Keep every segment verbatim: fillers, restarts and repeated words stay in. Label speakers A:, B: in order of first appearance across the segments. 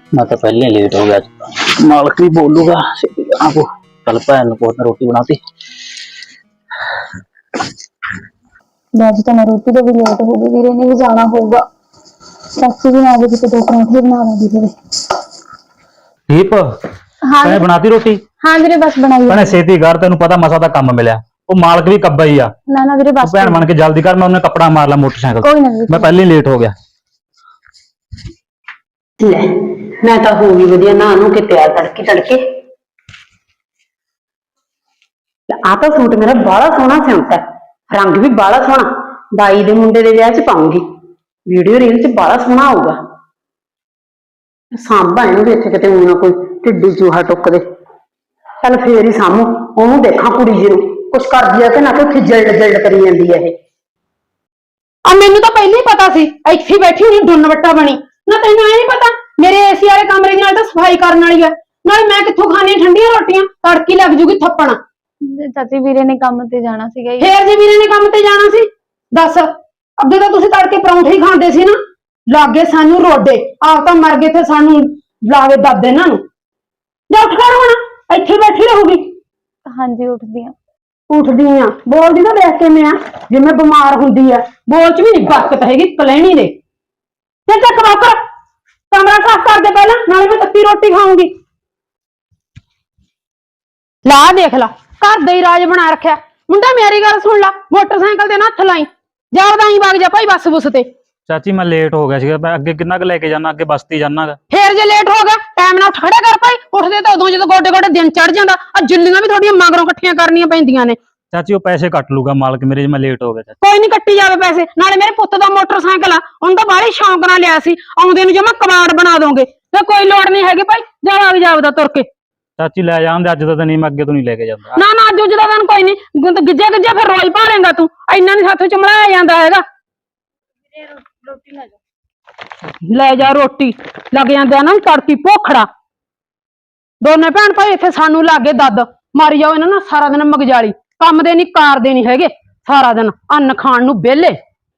A: मैं तो पहले ही लेट हो गया। मालिक भी बोलूगा आपको कल भैन को रोटी बनाती।
B: आज तो मैं रोटी तो भी लेट हो गई, वीरे ने भी जाना होगा। चाची भी आ गई तो दो परांठे बना लूंगी फिर।
A: दीप
B: हाँ
A: तैने बनाती रोटी?
B: हाँ वीरे बस बनाई
A: भैने छेती कर, तेन पता मसा दा काम मिलिया। वो मालिक भी कब्बा ही आ।
B: ना ना वीरे बस
A: भैन बन के जल्दी कर, मैं उन्हें कपड़ा मार ला मोटरसाइकिल।
B: कोई ना
A: मैं पहले ही लेट हो गया।
C: ले मैं तो हो गई वधिया नहा नू के तैयार तड़के तड़के। आ तो सूट मेरा बड़ा सोहना सिउंता है, रंग भी बड़ा सोहना, बाई दे मुंडे दे विआह च पाऊंगी। वीडियो रील च बड़ा सोहना आऊगा। सांभा इनू भी इत्थे किते ऊं ना कोई टिड्डी चूहा टुक दे। चल फेर ही सामू ओनू देखां कुड़ी जी नू कुछ करदी है कि ना, कि उत्थे जिल्ड जिल्ड करी जांदी है ये।
D: आ मैनू तो पहले ही पता सी इत्थे ही बैठी हुई डुन्न वट्टा बनी ना। तैनू ऐ नहीं पता मेरे एसी वाले कमरे दी नाल तां सफाई करन वाली है, नाले मैं कित्थों खानी ठंडियां रोटियां, तड़की लग जूगी थप्पण।
B: चाची वीरे ने काम ते जाना सीगा।
D: फेर जे वीरे ने काम ते जाना सी दस, ਅੱਗੇ ਤਾਂ ਤੁਸੀਂ ਤੜਕੇ ਪਰੌਂਠੇ ਹੀ ਖਾਂਦੇ ਸੀ ਨਾ। ਲਾਗੇ ਸਾਨੂੰ ਰੋਡੇ ਆਪ ਤਾਂ ਮਰ ਗਏ ਤੇ ਸਾਨੂੰ ਲਾਵੇ ਦਾਦੇ ਇਹਨਾਂ ਨੂੰ। ਜਾ ਉੱਠ ਕਰ ਹੁਣ, ਇੱਥੇ ਬੈਠੀ ਰਹੂਗੀ।
B: हाँ जी उठदी हां।
D: ਉੱਠਦੀ ਆ ਬੋਲਦੀ ਤਾਂ ਦੇਖ ਕੇ ਮੈਂ ਜਿਵੇਂ ਬਿਮਾਰ ਹੁੰਦੀ ਆ, ਬੋਲ ਚ ਵੀ ਨਹੀਂ ਬਰਕਤ ਹੈਗੀ ਕਲੈਣੀ ਦੇ। ਤੇ ਚੱਕ ਵਾਕਰ ਕਮਰਾ ਸਾਫ਼ ਕਰ ਦੇ ਪਹਿਲਾਂ, ਨਾਲੇ ਮੈਂ ਤੱਤੀ ਰੋਟੀ ਖਾਊਂਗੀ। ਲਾ ਦੇਖ ਲਾ ਘਰ ਦਾ ਹੀ ਰਾਜ ਬਣਾ ਰੱਖਿਆ। ਮੁੰਡਾ ਮੇਰੀ ਗੱਲ ਸੁਣ ਲਾ, ਮੋਟਰਸਾਈਕਲ ਤੇ ਨਾ ਹੱਥ ਲਾਈ, ਜਾ ਉਹਦਾ ਹੀ ਵਗ ਜਾ ਭਾਈ ਬੱਸ ਬੁੱਸ ਤੇ।
A: ਚਾਚੀ ਮੈਂ ਲੇਟ ਹੋ ਗਿਆ ਸੀਗਾ, ਮੈਂ ਅੱਗੇ ਕਿੰਨਾ ਕੁ ਲੈ ਕੇ ਜਾਣਾ, ਅੱਗੇ ਬਸਤੀ ਜਾਣਾਗਾ।
D: ਫੇਰ ਜੇ ਲੇਟ ਹੋ ਗਿਆ ਟਾਈਮ ਨਾਲ ਉੱਠ ਖੜਿਆ ਕਰ ਭਾਈ। ਉੱਠਦੇ ਤਾਂ ਉਦੋਂ ਜਦੋਂ ਗੋਡੇ ਗੋਡੇ ਦਿਨ ਚੜ ਜਾਂਦਾ। ਆ ਜੁੱਲੀਆਂ ਵੀ ਤੁਹਾਡੀਆਂ ਮਗਰੋਂ ਇਕੱਠੀਆਂ ਕਰਨੀਆਂ ਪੈਂਦੀਆਂ ਨੇ।
A: ਚਾਚੀ ਉਹ ਪੈਸੇ ਕੱਟ ਲੂਗਾ ਮਾਲਕ ਮੇਰੇ, ਜੇ ਮੈਂ ਲੇਟ ਹੋ ਗਿਆ। ਚਾਚੀ
D: ਕੋਈ ਨਹੀਂ ਕੱਟੀ ਜਾਵੇ ਪੈਸੇ, ਨਾਲੇ ਮੇਰੇ ਪੁੱਤ ਦਾ ਮੋਟਰਸਾਈਕਲ ਆ, ਉਹਨੂੰ ਤਾਂ ਬਾਹਲੀ ਸ਼ੌਂਕ ਨਾਲ ਲਿਆ ਸੀ, ਆਉਂਦੇ ਨੂੰ ਜਮਾ ਕਬਾੜ ਬਣਾ ਦੋਗੇ। ਤੇ ਕੋਈ ਲੋੜ ਨਹੀਂ ਹੈਗੀ ਭਾਈ, ਜਾ ਵਗ ਜਾ ਉਹਦਾ ਤੁਰ ਕੇ।
A: ਚਾਚੀ ਲੈ ਜਾਂਦੇ ਅੱਜ ਦਾ ਤਾਂ ਨਹੀਂ, ਮੈਂ ਅੱਗੇ ਤੋਂ ਨਹੀਂ ਲੈ ਕੇ ਜਾਂਦਾ।
D: ਨਾ ਨਾ ਅੱਜ ਦਾ ਦਿਨ ਕੋਈ ਨਹੀਂ, ਗਿੱਜੇ ਗਿੱਜੇ ਫਿਰ ਰੋਈ ਭਾਲੇਗਾ ਤੂੰ। ਇੰਨਾ ਨਹੀਂ ਸਾਥੋਂ ਚਮਲਾਇਆ ਜਾਂਦਾ ਹੈਗਾ। ਲੈ ਜਾ ਰੋਟੀ, ਲੱਗ ਜਾਂਦਾ ਨਾ ਤੜਕੀ ਭੋਖੜਾ। ਦੋਨੇ ਭੈਣ ਭਾਈ ਇੱਥੇ ਸਾਨੂੰ ਲਾਗੇ ਦੱਦ ਮਾਰੀ ਜਾਓ ਇਹਨਾਂ ਨਾਲ ਸਾਰਾ ਦਿਨ ਮਗਜਾਲੀ, ਕੰਮ ਦੇ ਨਹੀਂ ਕਾਰ ਦੇ ਨਹੀਂ ਹੈਗੇ, ਸਾਰਾ ਦਿਨ ਅੰਨ ਖਾਣ ਨੂੰ ਵਿਹਲੇ।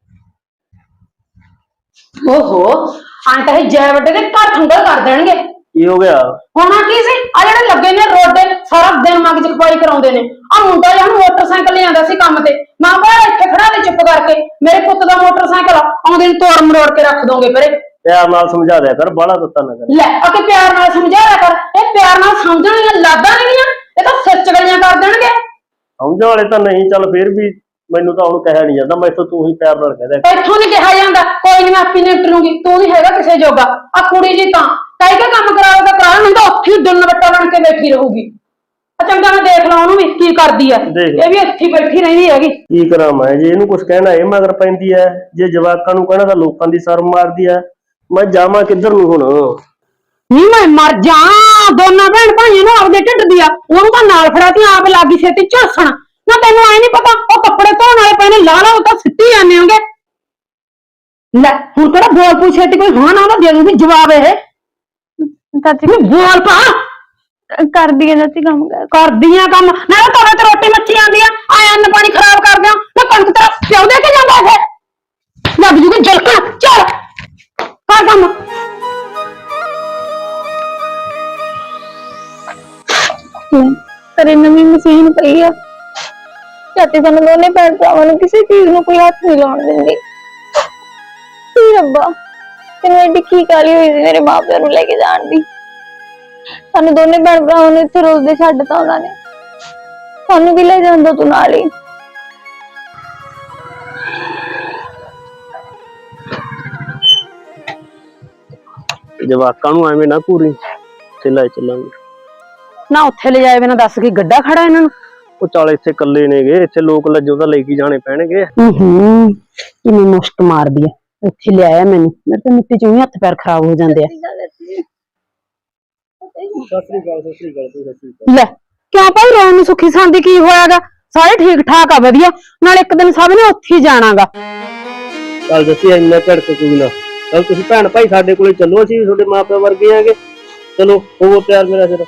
D: ਓਹੋ ਆਂ ਤਾਂ ਇਹ ਜੈ ਵੱਡੇ ਦੇ ਘਰ ਠੰਡਾ ਕਰ ਦੇਣਗੇ।
A: ਕੀ ਹੋ ਗਿਆ?
D: ਹੋਣਾ ਕੀ ਸੀ, ਆ ਜਿਹੜੇ ਲੱਗੇ ਨੇ ਰੋਡੇ ਸਾਰਾ ਦਿਨ ਮਗਜ ਖਪਾਈ ਕਰਾਉਂਦੇ ਨੇ। ਆ ਮੁੰਡਾ ਜਾਂ ਮੋਟਰਸਾਈਕਲ ਲੈ ਆਂਦਾ ਸੀ ਕੰਮ ਤੇ, ਮਾਂ ਬਾਹਰ ਇੱਥੇ ਖੜਾ ਦੇ ਚੁੱਪ ਕਰਕੇ। ਮੇਰੇ ਪੁੱਤ ਦਾ ਮੋਟਰਸਾਈਕਲ ਆਉਂਦੇ ਨੂੰ ਤੋੜ ਮਰੋੜ ਕੇ ਰੱਖ ਦੋਗੇ ਪਰੇ।
E: ਪਿਆਰ ਨਾਲ ਸਮਝਾ ਦਿਆ ਕਰ, ਬਾਹਲਾ ਦਿੱਤਾ ਨਾ ਕਰ।
D: ਲੈ ਆ ਕੇ ਪਿਆਰ ਨਾਲ ਸਮਝਾਇਆ ਕਰ, ਇਹ ਪਿਆਰ ਨਾਲ ਸਮਝਣ ਦੀਆਂ ਲਾਦਾਂ ਨਹੀਂ, ਇਹ ਤਾਂ ਸਿਰ ਚਗਲੀਆਂ ਕਰ ਦੇਣਗੇ।
E: ਸਮਝਣ ਵਾਲੇ ਤਾਂ ਨਹੀਂ, ਚੱਲ ਫੇਰ ਵੀ ਮੈਨੂੰ ਤਾਂ ਹੁਣ ਕਹਿਆ ਨਹੀਂ ਜਾਂਦਾ, ਮੈਥੋਂ ਤੂੰ ਹੀ ਪਿਆਰ ਨਾਲ ਕਹਿ ਦਿਆ।
D: ਇੱਥੋਂ ਨਹੀਂ ਕਿਹਾ ਜਾਂਦਾ, ਕੋਈ ਨਹੀਂ ਮੈਂ ਆਪੀ ਨਿਪਟ ਲੂੰਗੀ, ਤੂੰ ਨਹੀਂ ਹੈਗਾ ਕਿਸੇ ਜੋਗਾ। ਆ ਕੁੜੀ ਜੀ ਤਾਂ ਕਹਿ ਕੇ ਕੰਮ ਕਰਾਉਗਾ ਕਰਾ, ਨਹੀਂ ਤਾਂ ਉੱਥੇ ਹੀ ਡੁੰਨ ਵੱਟਾ ਬਣ ਕੇ ਬੈਠੀ ਰਹੂਗੀ। ਆ ਚੰਗਾ ਮੈਂ ਦੇਖ ਲਾ ਉਹਨੂੰ ਵੀ ਕੀ ਕਰਦੀ ਆ, ਇਹ ਵੀ ਇੱਥੇ ਹੀ ਬੈਠੀ ਰਹਿੰਦੀ ਹੈਗੀ।
E: ਕੀ ਕਰਾਂ ਮੈਂ, ਜੇ ਇਹਨੂੰ ਕੁਝ ਕਹਿਣਾ ਇਹ ਮਗਰ ਪੈਂਦੀ ਐ, ਜੇ ਜਵਾਕਾਂ ਨੂੰ ਕਹਿਣਾ ਤਾਂ ਲੋਕਾਂ ਦੀ ਸ਼ਰਮ ਮਾਰਦੀ ਐ। ਮੈਂ ਜਾਵਾਂ ਕਿੱਧਰ ਨੂੰ ਹੁਣ?
D: ਨੀ ਮੈਂ ਮਰ ਜਾ, ਦੋਨਾਂ ਭੈਣ ਭਾਈਆਂ ਨੂੰ ਆਪਦੇ ਢਿੱਡ ਦੀ ਆ, ਉਹਨੂੰ ਤਾਂ ਨਾਲ ਫੜਾਤੀ ਆਪ ਲਾਗੀ ਛੇਤੀ ਝਾਸਣ। ਨਾ ਤੈਨੂੰ ਐ ਨਹੀਂ ਪਤਾ ਉਹ ਕੱਪੜੇ ਧੋਣ ਵਾਲੇ ਪਏ ਨੇ, ਲਾ ਲਾ ਉਹ ਤਾਂ ਸਿੱਟੀ ਜਾਂਦੇ ਹੋਗੇ। ਲੈ ਹੁਣ ਕਿਹੜਾ ਬੋਲ ਪੂ ਛੇਤੀ, ਕੋਈ ਹਾਂ ਨਾ ਉਹਦਾ ਦੇ ਦੂੰਗੀ ਜਵਾਬ। ਇਹ
B: चाची
D: ਬੋਲ ਪਾ,
B: कर दिया चाची काम कर
D: ਕਰਦੀਆਂ ਕੰਮ ਨਾ। ਤੁਹਾਡੇ ਤੇ ਰੋਟੀ ਮੱਚੀ ਜਾਂਦੀ ਆ, ਆ ਅੰਨ ਪਾਣੀ ਖਰਾਬ ਕਰ ਦਿਆਂ ਨਾ। ਕਣਕ ਤੇਰਾ ਪਿਓ ਦੇ ਕੇ ਜਾਂਦਾ ਇਹ, ਲੱਗ ਜੂਗੀ ਜਲਕਾ। ਚੱਲ ਕਰ ਕੰਮ।
B: तेरे नवी मशीन पई है चाची, सानू दोने भैन भरावां नू किसी चीज नू कोई हाथ नहीं लाउण दिंदी। सी रब्बा तेनू एडी की काली हुई सी मेरे मां प्यो नू लेके जाण दी। सानू दोने भैन भरावां नू इत्थे रोज दे छड्डता उन्हां ने, सानू भी ले जांदा तू नाल ही।
E: ਜਵਾਕਾਂ ਨੂੰ ਐਵੇਂ ਨਾ ਪੂਰੀ ਚਲਾਈ ਚੱਲਾਂਗੇ
D: ਨਾ। ਉੱਥੇ ਲੈ ਜਾਏ ਬਿਨਾ ਦੱਸ ਕੇ ਗੱਡਾ ਖੜਾ ਇਹਨਾਂ ਨੂੰ।
E: ਉਹ ਚੱਲ ਇੱਥੇ ਇਕੱਲੇ ਨੇਗੇ, ਇੱਥੇ ਲੋਕ ਲੱਜੋ ਤਾਂ ਲੈ ਕੇ ਜਾਣੇ ਪੈਣਗੇ।
D: ਹੂੰ ਹੂੰ ਕਿਵੇਂ ਮੁਸ਼ਕ ਮਾਰਦੀ ਆ, ਇੱਥੇ ਲਿਆਇਆ ਮੈਨੂੰ, ਮੇਰੇ ਤੇ ਮਿੱਟੀ ਚੋਂ ਹੀ ਹੱਥ ਪੈਰ ਖਰਾਬ ਹੋ ਜਾਂਦੇ ਆ।
E: ਸਤਿ ਸ੍ਰੀ ਅਕਾਲ, ਸਤਿ ਸ੍ਰੀ ਅਕਾਲ, ਸਤਿ ਸ੍ਰੀ ਅਕਾਲ।
D: ਲੈ ਕਿਉਂ ਭਾਈ ਰੋਣ ਨੂੰ, ਸੁੱਖੀ ਸਾਂਦੀ ਕੀ ਹੋਇਆਗਾ? ਸਾਰੇ ਠੀਕ ਠਾਕ ਆ ਵਧੀਆ, ਨਾਲ ਇੱਕ ਦਿਨ ਸਭ ਨੇ ਉੱਥੇ ਹੀ ਜਾਣਾਗਾ।
E: ਚੱਲ ਦੱਸੀ ਇੰਨਾ ਝੜਕ ਕੋਈ ਨਾ, ਚੱਲ ਤੁਸੀਂ ਭੈਣ ਭਾਈ ਸਾਡੇ ਕੋਲੇ ਚੱਲੋ, ਅਸੀਂ ਤੁਹਾਡੇ ਮਾਂ ਪਿਓ ਵਰਗੇ ਆਂਗੇ। ਚਲੋ ਹੋਵੋ ਪਿਆਰ ਮੇਰਾ ਸਿਰ।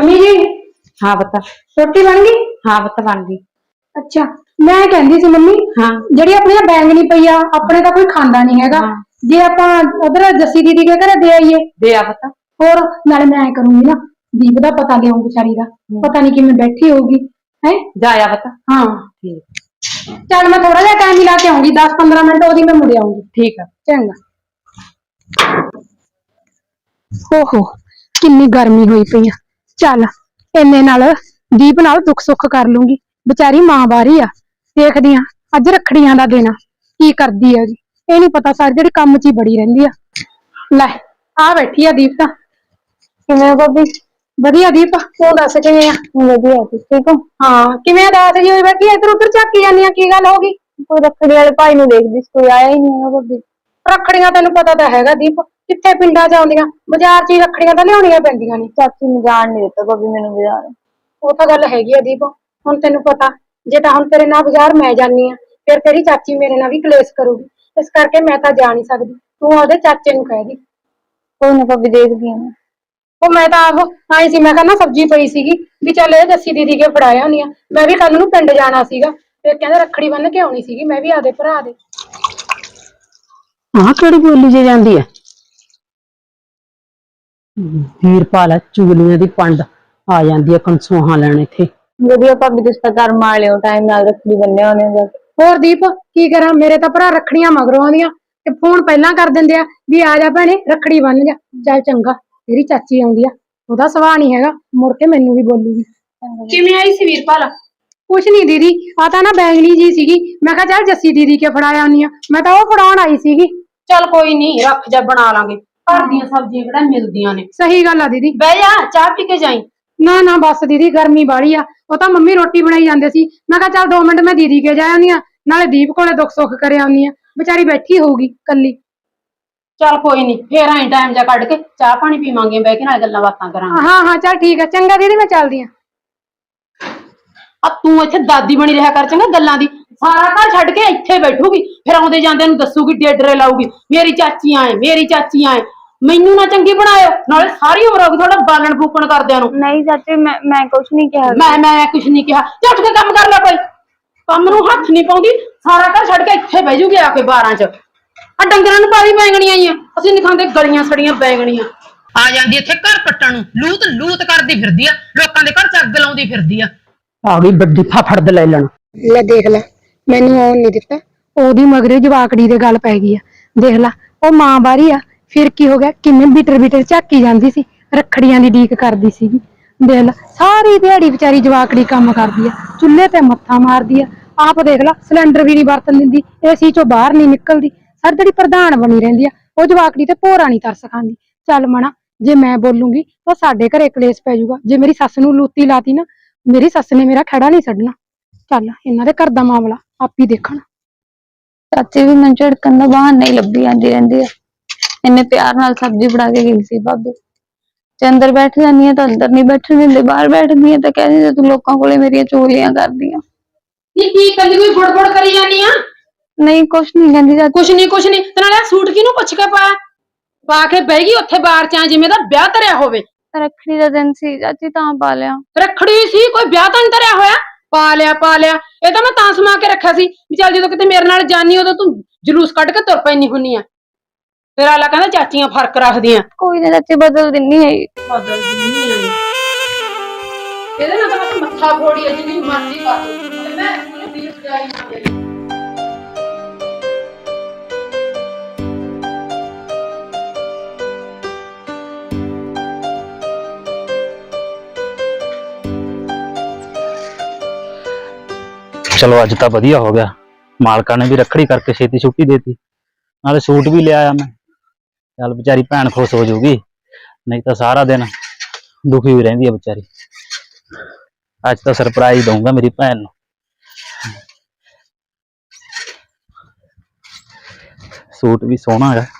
D: ਮੰਮੀ ਜੀ
C: ਹਾਂ ਪਤਾ
D: ਰੋਟੀ ਬਣ ਗਈ?
C: ਹਾਂ ਪਤਾ ਬਣ ਗਈ।
D: ਅੱਛਾ ਮੈਂ ਕਹਿੰਦੀ ਸੀ ਮੰਮੀ,
C: ਹਾਂ
D: ਜਿਹੜੀ ਆਪਣੀ ਆਹ ਬੈਂਗਣੀ ਪਈ ਆ, ਆਪਣੇ ਤਾਂ ਕੋਈ ਖਾਂਦਾ ਨਹੀਂ ਹੈਗਾ।
C: ਹਾਂ।
D: ਜੇ ਆਪਾਂ ਉਧਰ ਜੱਸੀ ਦੀਦੀ ਦੇ ਘਰੇ ਦੇ ਆਈਏ,
C: ਦੇ ਆ ਪਤਾ।
D: ਹੋਰ ਨਾਲੇ ਮੈਂ ਐ ਕਰੂੰਗੀ ਨਾ, ਦੀਪ ਦਾ ਪਤਾ ਲਿਆਉਂ ਵਿਚਾਰੀ ਦਾ, ਪਤਾ ਨਹੀਂ ਕਿਵੇਂ ਬੈਠੀ ਹੋਊਗੀ ਹੈ।
C: ਜਾ ਆ ਪਤਾ।
D: ਹਾਂ
C: ਠੀਕ
D: ਚੱਲ ਮੈਂ ਥੋੜਾ ਜਿਹਾ ਟਾਈਮ ਹੀ ਲਾ ਕੇ ਆਉਂਗੀ, ਦਸ ਪੰਦਰਾਂ ਮਿੰਟ ਉਹਦੀ ਮੈਂ ਮੁੜ ਆਉਂਗੀ।
C: ਠੀਕ ਆ।
D: ਚੰਗਾ। ਓਹੋ ਕਿੰਨੀ ਗਰਮੀ ਹੋਈ ਪਈ ਆ। ਚੱਲ ਇੰਨੇ ਨਾਲ ਦੀਪ ਨਾਲ ਦੁੱਖ ਸੁੱਖ ਕਰ ਲੂੰਗੀ, ਵਿਚਾਰੀ ਮਾਂ ਬਾਰੀ ਆ। ਦੇਖਦੀ ਆ ਅੱਜ ਰੱਖੜੀਆਂ ਦਾ ਦਿਨ ਆ, ਕੀ ਕਰਦੀ ਆ ਜੀ। ਇਹ ਨੀ ਪਤਾ ਸਾਰੀ ਜਿਹੜੀ ਕੰਮ 'ਚ ਹੀ ਬੜੀ ਰਹਿੰਦੀ ਆ। ਲੈ ਆ ਬੈਠੀ ਆ ਦੀਪ ਤਾਂ।
B: ਕਿਵੇਂ ਭਾਬੀ?
D: ਵਧੀਆ ਦੀਪ, ਤੂੰ ਦੱਸ ਕਿਵੇਂ ਆ?
B: ਵਧੀਆ ਤੁਸੀਂ ਠੀਕ ਹੋ?
D: ਹਾਂ ਕਿਵੇਂ ਉਦਾਸ ਜੀ ਹੋਈ ਬੈਠੀ, ਇੱਧਰ ਉੱਧਰ ਝਾਕੀ ਜਾਂਦੀ ਆ, ਕੀ ਗੱਲ ਹੋ ਗਈ?
B: ਕੋਈ ਰੱਖੜੀ ਵਾਲੇ ਭਾਈ ਨੂੰ ਦੇਖਦੀ ਸੀ, ਕੋਈ ਆਇਆ ਹੀ ਨਹੀਂ ਹੈਗਾ ਭਾਬੀ।
D: ਰੱਖੜੀਆਂ ਤੈਨੂੰ ਪਤਾ ਤਾਂ ਹੈਗਾ ਦੀਪ, ਕਿੱਥੇ ਪਿੰਡਾਂ 'ਚ ਆਉਂਦੀਆਂ, ਬਾਜ਼ਾਰ 'ਚ ਹੀ ਰੱਖੜੀਆਂ ਤਾਂ ਲਿਆਉਣੀਆਂ ਪੈਂਦੀਆਂ ਨੇ।
B: ਚਾਚੀ ਨੇ ਜਾਣ ਨਹੀਂ ਦਿੱਤਾ ਭਾਬੀ ਮੈਨੂੰ ਬਾਜ਼ਾਰ।
D: ਉਹ ਤਾਂ ਗੱਲ ਹੈਗੀ ਆ ਦੀਪ, ਹੁਣ ਤੈਨੂੰ ਪਤਾ ਜੇ ਤਾਂ ਹੁਣ ਤੇਰੇ ਨਾਲ ਬਾਜ਼ਾਰ ਮੈਂ ਜਾਨੀ ਆ, ਫਿਰ ਤੇਰੀ ਚਾਚੀ ਮੇਰੇ ਨਾਲ ਵੀ ਕਲੇਸ਼ ਕਰੂਗੀ, ਇਸ ਕਰਕੇ ਮੈਂ ਤਾਂ ਜਾ ਨਹੀਂ ਸਕਦੀ। ਤੂੰ ਉਹਦੇ ਚਾਚੇ ਨੂੰ ਕਹਿ ਦੀ।
B: ਕੋਈ ਨਾ ਭਾਬੀ ਦੇਖਦੀ ਆ ਮੈਂ।
D: ਉਹ ਮੈਂ ਤਾਂ ਆਪ ਆਈ ਸੀ, ਮੈਂ ਕਹਿੰਦਾ ਸਬਜ਼ੀ ਪਈ ਸੀਗੀ ਵੀ ਚੱਲ ਇਹ ਜੱਸੀ ਦੀਦੀ ਕੇ ਫੜਾਇਆ ਹੁੰਦੀ ਆ। ਮੈਂ ਵੀ ਕੱਲ ਨੂੰ ਪਿੰਡ ਜਾਣਾ ਸੀਗਾ, ਫਿਰ ਕਹਿੰਦੇ ਰੱਖੜੀ ਬੰਨ ਕੇ ਆਉਣੀ ਸੀਗੀ, ਮੈਂ ਵੀ ਆਦੇ ਭਰਾ ਦੇ।
C: ਆਹ ਕਿਹੜੀ ਬੋਲੀ ਜੇ ਜਾਂਦੀ ਹੈ? ਵੀਰਪਾਲ ਚੁਗਲੀਆਂ ਦੀ ਪੰਡ ਆ ਜਾਂਦੀ ਹੈ ਕੰਸੋਹਾਂ ਲੈਣ ਇੱਥੇ।
B: ਵਧੀਆ ਭਾਬੀ ਤੁਸੀਂ ਤਾਂ ਘਰ ਮਾਰ ਲਿਓ, ਟਾਈਮ ਨਾਲ ਰੱਖੜੀ ਬੰਨਿਆ ਹੋਣੇ ਜਾ ਕੇ।
D: ਹੋਰ ਦੀਪ ਕੀ ਕਰਾਂ, ਮੇਰੇ ਤਾਂ ਭਰਾ ਰੱਖੜੀਆਂ ਮਗਰੋਂ ਆਉਂਦੀਆਂ ਤੇ ਫੋਨ ਪਹਿਲਾਂ ਕਰ ਦਿੰਦੇ ਆ ਵੀ ਆ ਜਾ ਭੈਣੇ ਰੱਖੜੀ ਬੰਨ ਜਾ। ਚੱਲ ਚੰਗਾ, ਤੇਰੀ ਚਾਚੀ ਆਉਂਦੀ ਆ, ਉਹਦਾ ਸੁਭਾਅ ਨੀ ਹੈਗਾ, ਮੁੜ ਕੇ ਮੈਨੂੰ ਵੀ ਬੋਲੂਗੀ। ਕਿਵੇਂ ਆਈ ਸੀ ਵੀਰਪਾਲ? ਕੁਛ ਨੀ ਦੀਦੀ, ਆ ਤਾਂ ਨਾ ਬੈਂਗਣੀ ਜੀ ਸੀਗੀ, ਮੈਂ ਕਿਹਾ ਚੱਲ ਜੱਸੀ ਦੀਦੀ ਕੇ ਫੜਾਇਆ ਆਉਂਦੀ ਆ, ਮੈਂ ਤਾਂ ਉਹ ਫੜਾਉਣ ਆਈ ਸੀਗੀ।
C: ਚੱਲ ਕੋਈ ਨਹੀਂ, ਰੱਖ ਜਾ ਬਣਾ ਲਾਂਗੇ, ਘਰ ਦੀਆਂ ਸਬਜ਼ੀਆਂ ਕਿਹੜਾ ਮਿਲਦੀਆਂ ਨੇ।
D: ਸਹੀ ਗੱਲ ਆ ਦੀਦੀ।
C: ਬਹਿ ਜਾ ਚਾਹ ਪੀ ਕੇ ਜਾਈ।
D: ਨਾ ਨਾ ਬਸ ਦੀਦੀ ਗਰਮੀ ਬਾਹਲੀ ਆ, ਉਹ ਤਾਂ ਮੰਮੀ ਰੋਟੀ ਬਣਾਈ ਜਾਂਦੇ ਸੀ, ਮੈਂ ਕਿਹਾ ਚੱਲ ਦੋ ਮਿੰਟ ਮੈਂ ਦੀਦੀ ਕੇ ਜਾ ਆਉਂਦੀ ਆ, ਨਾਲੇ ਦੀਪ ਕੋਲੇ ਦੁੱਖ ਸੁੱਖ ਕਰ ਆਉਂਦੀ ਆ, ਵਿਚਾਰੀ ਬੈਠੀ ਹੋਊਗੀ ਕੱਲੀ।
C: ਚੱਲ ਕੋਈ ਨਹੀਂ, ਫੇਰ ਆਈ ਟਾਈਮ ਜਾ ਕੱਢ ਕੇ ਚਾਹ ਪਾਣੀ ਪੀਵਾਂਗੇ, ਬਹਿ ਕੇ ਨਾਲ ਗੱਲਾਂ ਬਾਤਾਂ ਕਰਾਂਗੇ।
D: ਹਾਂ ਹਾਂ ਚੱਲ ਠੀਕ ਆ, ਚੰਗਾ ਦੀਦੀ ਮੈਂ ਚੱਲਦੀ ਆ।
C: ਆ ਤੂੰ ਇੱਥੇ ਦਾਦੀ ਬਣੀ ਰਿਹਾ ਕਰ ਚੰਗਾ ਗੱਲਾਂ ਦੀ, ਸਾਰਾ ਘਰ ਛੱਡ ਕੇ ਇੱਥੇ ਬੈਠੂਗੀ, ਫਿਰ ਆਉਂਦੇ ਜਾਂਦੇ ਨੂੰ ਦੱਸੂਗੀ, ਡੇਡਰੇ ਲਾਊਗੀ, ਮੇਰੀ ਚਾਚੀ ਆਏ ਮੇਰੀ ਚਾਚੀ ਆਏ। ਮੈਨੂੰ ਨਾ ਚੰਗੀ ਬਣਾਇਓ, ਨਾਲੇ ਸਾਰੀ ਉਮਰ ਹੋ ਗਈ ਤੁਹਾਡਾ ਬਾਲਣ ਫੂਕਣ ਕਰਦਿਆਂ ਨੂੰ।
B: ਨਹੀਂ ਚਾਚੀ ਮੈਂ ਮੈਂ ਕੁਛ ਨਹੀਂ ਕਿਹਾ।
C: ਮੈਂ ਮੈਂ ਕੁਛ ਨਹੀਂ ਕਿਹਾ, ਚੱਲ ਉੱਠ ਕੇ ਕੰਮ ਕਰ ਲੈ, ਕੋਈ ਕੰਮ ਨੂੰ ਹੱਥ ਨਹੀਂ ਪਾਉਂਦੀ, ਸਾਰਾ ਘਰ ਛੱਡ ਕੇ ਇੱਥੇ ਬਹਿ ਜੂਗੀ ਆ ਕੇ ਬਾਰਾਂ ਚ। ਆ ਡੰਗਰਾਂ ਨੂੰ ਪਾਲੀ ਬੈਂਗਣੀਆਂ ਆਈਆਂ, ਅਸੀਂ ਨਹੀਂ ਖਾਂਦੇ ਗਲੀਆਂ ਸੜੀਆਂ ਬੈਂਗਣੀਆਂ। ਆ ਜਾਂਦੀ ਇੱਥੇ ਘਰ ਪੱਟਣ ਨੂੰ, ਲੂਤ ਲੂਤ ਕਰਦੀ ਫਿਰਦੀ ਆ, ਲੋਕਾਂ ਦੇ ਘਰ ਚ ਅੱਗ ਲਾਉਂਦੀ ਫਿਰਦੀ ਆ। ਆ ਗਈ ਵੱਡੀ ਫਾਫੜ ਲੈ ਲੈਣ।
D: ਲੈ ਦੇਖ ਲੈ, ਮੈਨੂੰ ਆਉਣ ਨਹੀਂ ਦਿੱਤਾ, ਉਹਦੀ ਮਗਰੇ ਜਵਾਕੜੀ ਦੇ ਗੱਲ ਪੈ ਗਈ ਆ। ਦੇਖ ਲੈ ਉਹ ਮਾਂ ਬਾਰੀ ਆ, ਫਿਰ ਕੀ ਹੋ ਗਿਆ, ਕਿਵੇਂ ਬਿਟਰ ਬਿਟਰ ਝਾਕੀ ਜਾਂਦੀ ਸੀ, ਰੱਖੜੀਆਂ ਦੀ ਡੀਕ ਕਰਦੀ ਸੀਗੀ। ਦੇਖ ਲੈ ਸਾਰੀ ਦਿਹਾੜੀ ਵਿਚਾਰੀ ਜਵਾਕੜੀ ਕੰਮ ਕਰਦੀ ਆ, ਚੁੱਲ੍ਹੇ ਤੇ ਮੱਥਾ ਮਾਰਦੀ ਆ, ਆਪ ਦੇਖ ਲੈ ਸਿਲੰਡਰ ਵੀ ਨਹੀਂ ਵਰਤਣ ਦਿੰਦੀ, ਏਸੀ ਚੋਂ ਬਾਹਰ ਨਹੀਂ ਨਿਕਲਦੀ, ਸਾਰੀ ਜਿਹੜੀ ਪ੍ਰਧਾਨ ਬਣੀ ਰਹਿੰਦੀ ਆ। ਉਹ ਜਵਾਕੜੀ ਤੇ ਭੋਰਾ ਨਹੀਂ ਤਰਸ ਖਾਂਦੀ। ਚੱਲ ਮਣਾ, ਜੇ ਮੈਂ ਬੋਲੂੰਗੀ ਤਾਂ ਸਾਡੇ ਘਰੇ ਕਲੇਸ਼ ਪੈ ਜਾਊਗਾ, ਜੇ ਮੇਰੀ ਸੱਸ ਨੂੰ ਲੂਤੀ ਲਾਤੀ ਨਾ, ਮੇਰੀ ਸੱਸ ਨੇ ਮੇਰਾ ਖੜਾ ਨਹੀਂ ਛੱਡਣਾ। ਚੱਲ ਇਹਨਾਂ ਦੇ ਘਰ ਦਾ ਮਾਮਲਾ ਆਪ ਹੀ ਦੇਖਣ।
B: ਚਾਚੀ ਵੀ ਮੈਨੂੰ ਝੜਕਣ ਦਾ ਬਹਾਨਾ ਹੀ ਲੱਭੀ ਜਾਂਦੀ ਰਹਿੰਦੀ ਆ। ਇੰਨੇ ਪਿਆਰ ਨਾਲ ਸਬਜ਼ੀ ਬਣਾ ਕੇ ਗਈ ਸੀ ਭਾਬੀ, ਤੇ ਅੰਦਰ ਬੈਠ ਜਾਂਦੀ ਆ ਤਾਂ ਅੰਦਰ ਨਹੀਂ ਬੈਠਣ ਦਿੰਦੇ, ਬਾਹਰ ਬੈਠਦੀ ਆ ਤਾਂ ਕਹਿੰਦੀ ਤੂੰ ਲੋਕਾਂ ਕੋਲੇ ਮੇਰੀਆਂ ਚੁਗਲੀਆਂ ਕਰਦੀ ਆ।
C: ਕੀ ਕੀ ਕੱਲੀ ਕੋਈ ਫੁੜਫੁੜ ਕਰੀ ਜਾਨੀ ਆ?
B: ਨਹੀਂ ਕੁਛ ਨਹੀਂ ਕਹਿੰਦੀ ਚਾਚੀ।
C: ਕੁਛ ਨਹੀਂ ਕੁਛ ਨਹੀਂ, ਤੇ ਨਾਲੇ ਸੂਟ ਕਿਹਨੂੰ ਪੁੱਛ ਕੇ ਪਾਇਆ, ਪਾ ਕੇ ਬਹਿ ਗਈ ਉੱਥੇ ਬਾਹਰ ਚ ਜਿਵੇਂ ਦਾ ਵਿਆਹ ਧਰਿਆ ਹੋਵੇ।
B: ਰੱਖੜੀ ਦਾ ਦਿਨ ਸੀ ਚਾਚੀ ਤਾਂ ਪਾ ਲਿਆ।
C: ਰੱਖੜੀ ਸੀ, ਕੋਈ ਵਿਆਹ ਤਾਂ ਨਹੀਂ ਧਰਿਆ ਹੋਇਆ, ਪਾ ਲਿਆ ਪਾ ਲਿਆ। ਇਹ ਤਾਂ ਮੈਂ ਤਾਂ ਸਮਾ ਕੇ ਰੱਖਿਆ ਸੀ ਵੀ ਚੱਲ ਜਦੋਂ ਕਿਤੇ ਮੇਰੇ ਨਾਲ ਜਾਨੀ ਉਦੋਂ ਤੂੰ ਜਲੂਸ ਕੱਢ ਕੇ ਤੁਰ ਪੈਣੀ ਹੁੰਨੀ ਆ। ਫਿਰ ਆਲਾ ਕਹਿੰਦਾ ਚਾਚੀਆਂ ਫਰਕ ਰੱਖਦੀਆਂ।
B: ਕੋਈ ਨਾ ਚਾਚੀ ਬਦਲ ਦਿੰਨੀ ਹੈ।
C: ਬਦਲ ਦਿੰਨੀ ਆ ਇਹਦੇ ਨਾਲ ਤਾਂ ਬਸ ਮੱਥਾ ਫੋੜੀ ਆ, ਜਿੰਨੀ ਮਰਜ਼ੀ ਕਰ ਲਓ, ਮੈਂ ਪੂਰੀ ਦਿਲ ਸਜਾਈ ਨਾ।
A: ਚਲੋ ਅੱਜ ਤਾਂ ਵਧੀਆ ਹੋ ਗਿਆ, ਮਾਲਕਾਂ ਨੇ ਵੀ ਰੱਖੜੀ ਕਰਕੇ ਛੇਤੀ ਛੁੱਟੀ ਦੇਤੀ, ਨਾਲੇ ਸੂਟ ਵੀ ਲਿਆਇਆ ਮੈਂ। ਚੱਲ ਵਿਚਾਰੀ ਭੈਣ ਖੁਸ਼ ਹੋ ਜਾਊਗੀ, ਨਹੀਂ ਤਾਂ ਸਾਰਾ ਦਿਨ ਦੁਖੀ ਹੋਈ ਰਹਿੰਦੀ ਹੈ ਵਿਚਾਰੀ। ਅੱਜ ਤਾਂ ਸਰਪ੍ਰਾਈਜ਼ ਦਊਂਗਾ ਮੇਰੀ ਭੈਣ ਨੂੰ। ਸੂਟ ਵੀ ਸੋਹਣਾ ਹੈ।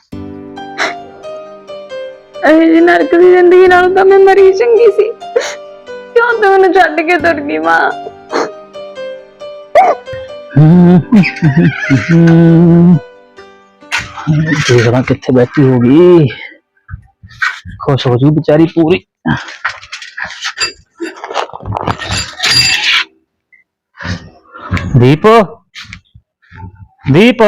B: ਇਹ ਨਰਕ ਦੀ ਜ਼ਿੰਦਗੀ ਨਾਲੋਂ ਤਾਂ ਮੈਂ ਮਰੀ ਚੰਗੀ ਸੀ, ਕਿਉਂ ਤੂੰ ਮੈਨੂੰ ਛੱਡ ਕੇ ਤੁਰ ਗਈ ਮਾਂ।
A: ਦੇਖਦਾ ਕਿੱਥੇ ਬੈਠੀ ਹੋਗੀ, खुश हो जी बेचारी पूरी। ਦੀਪ ਦੀਪ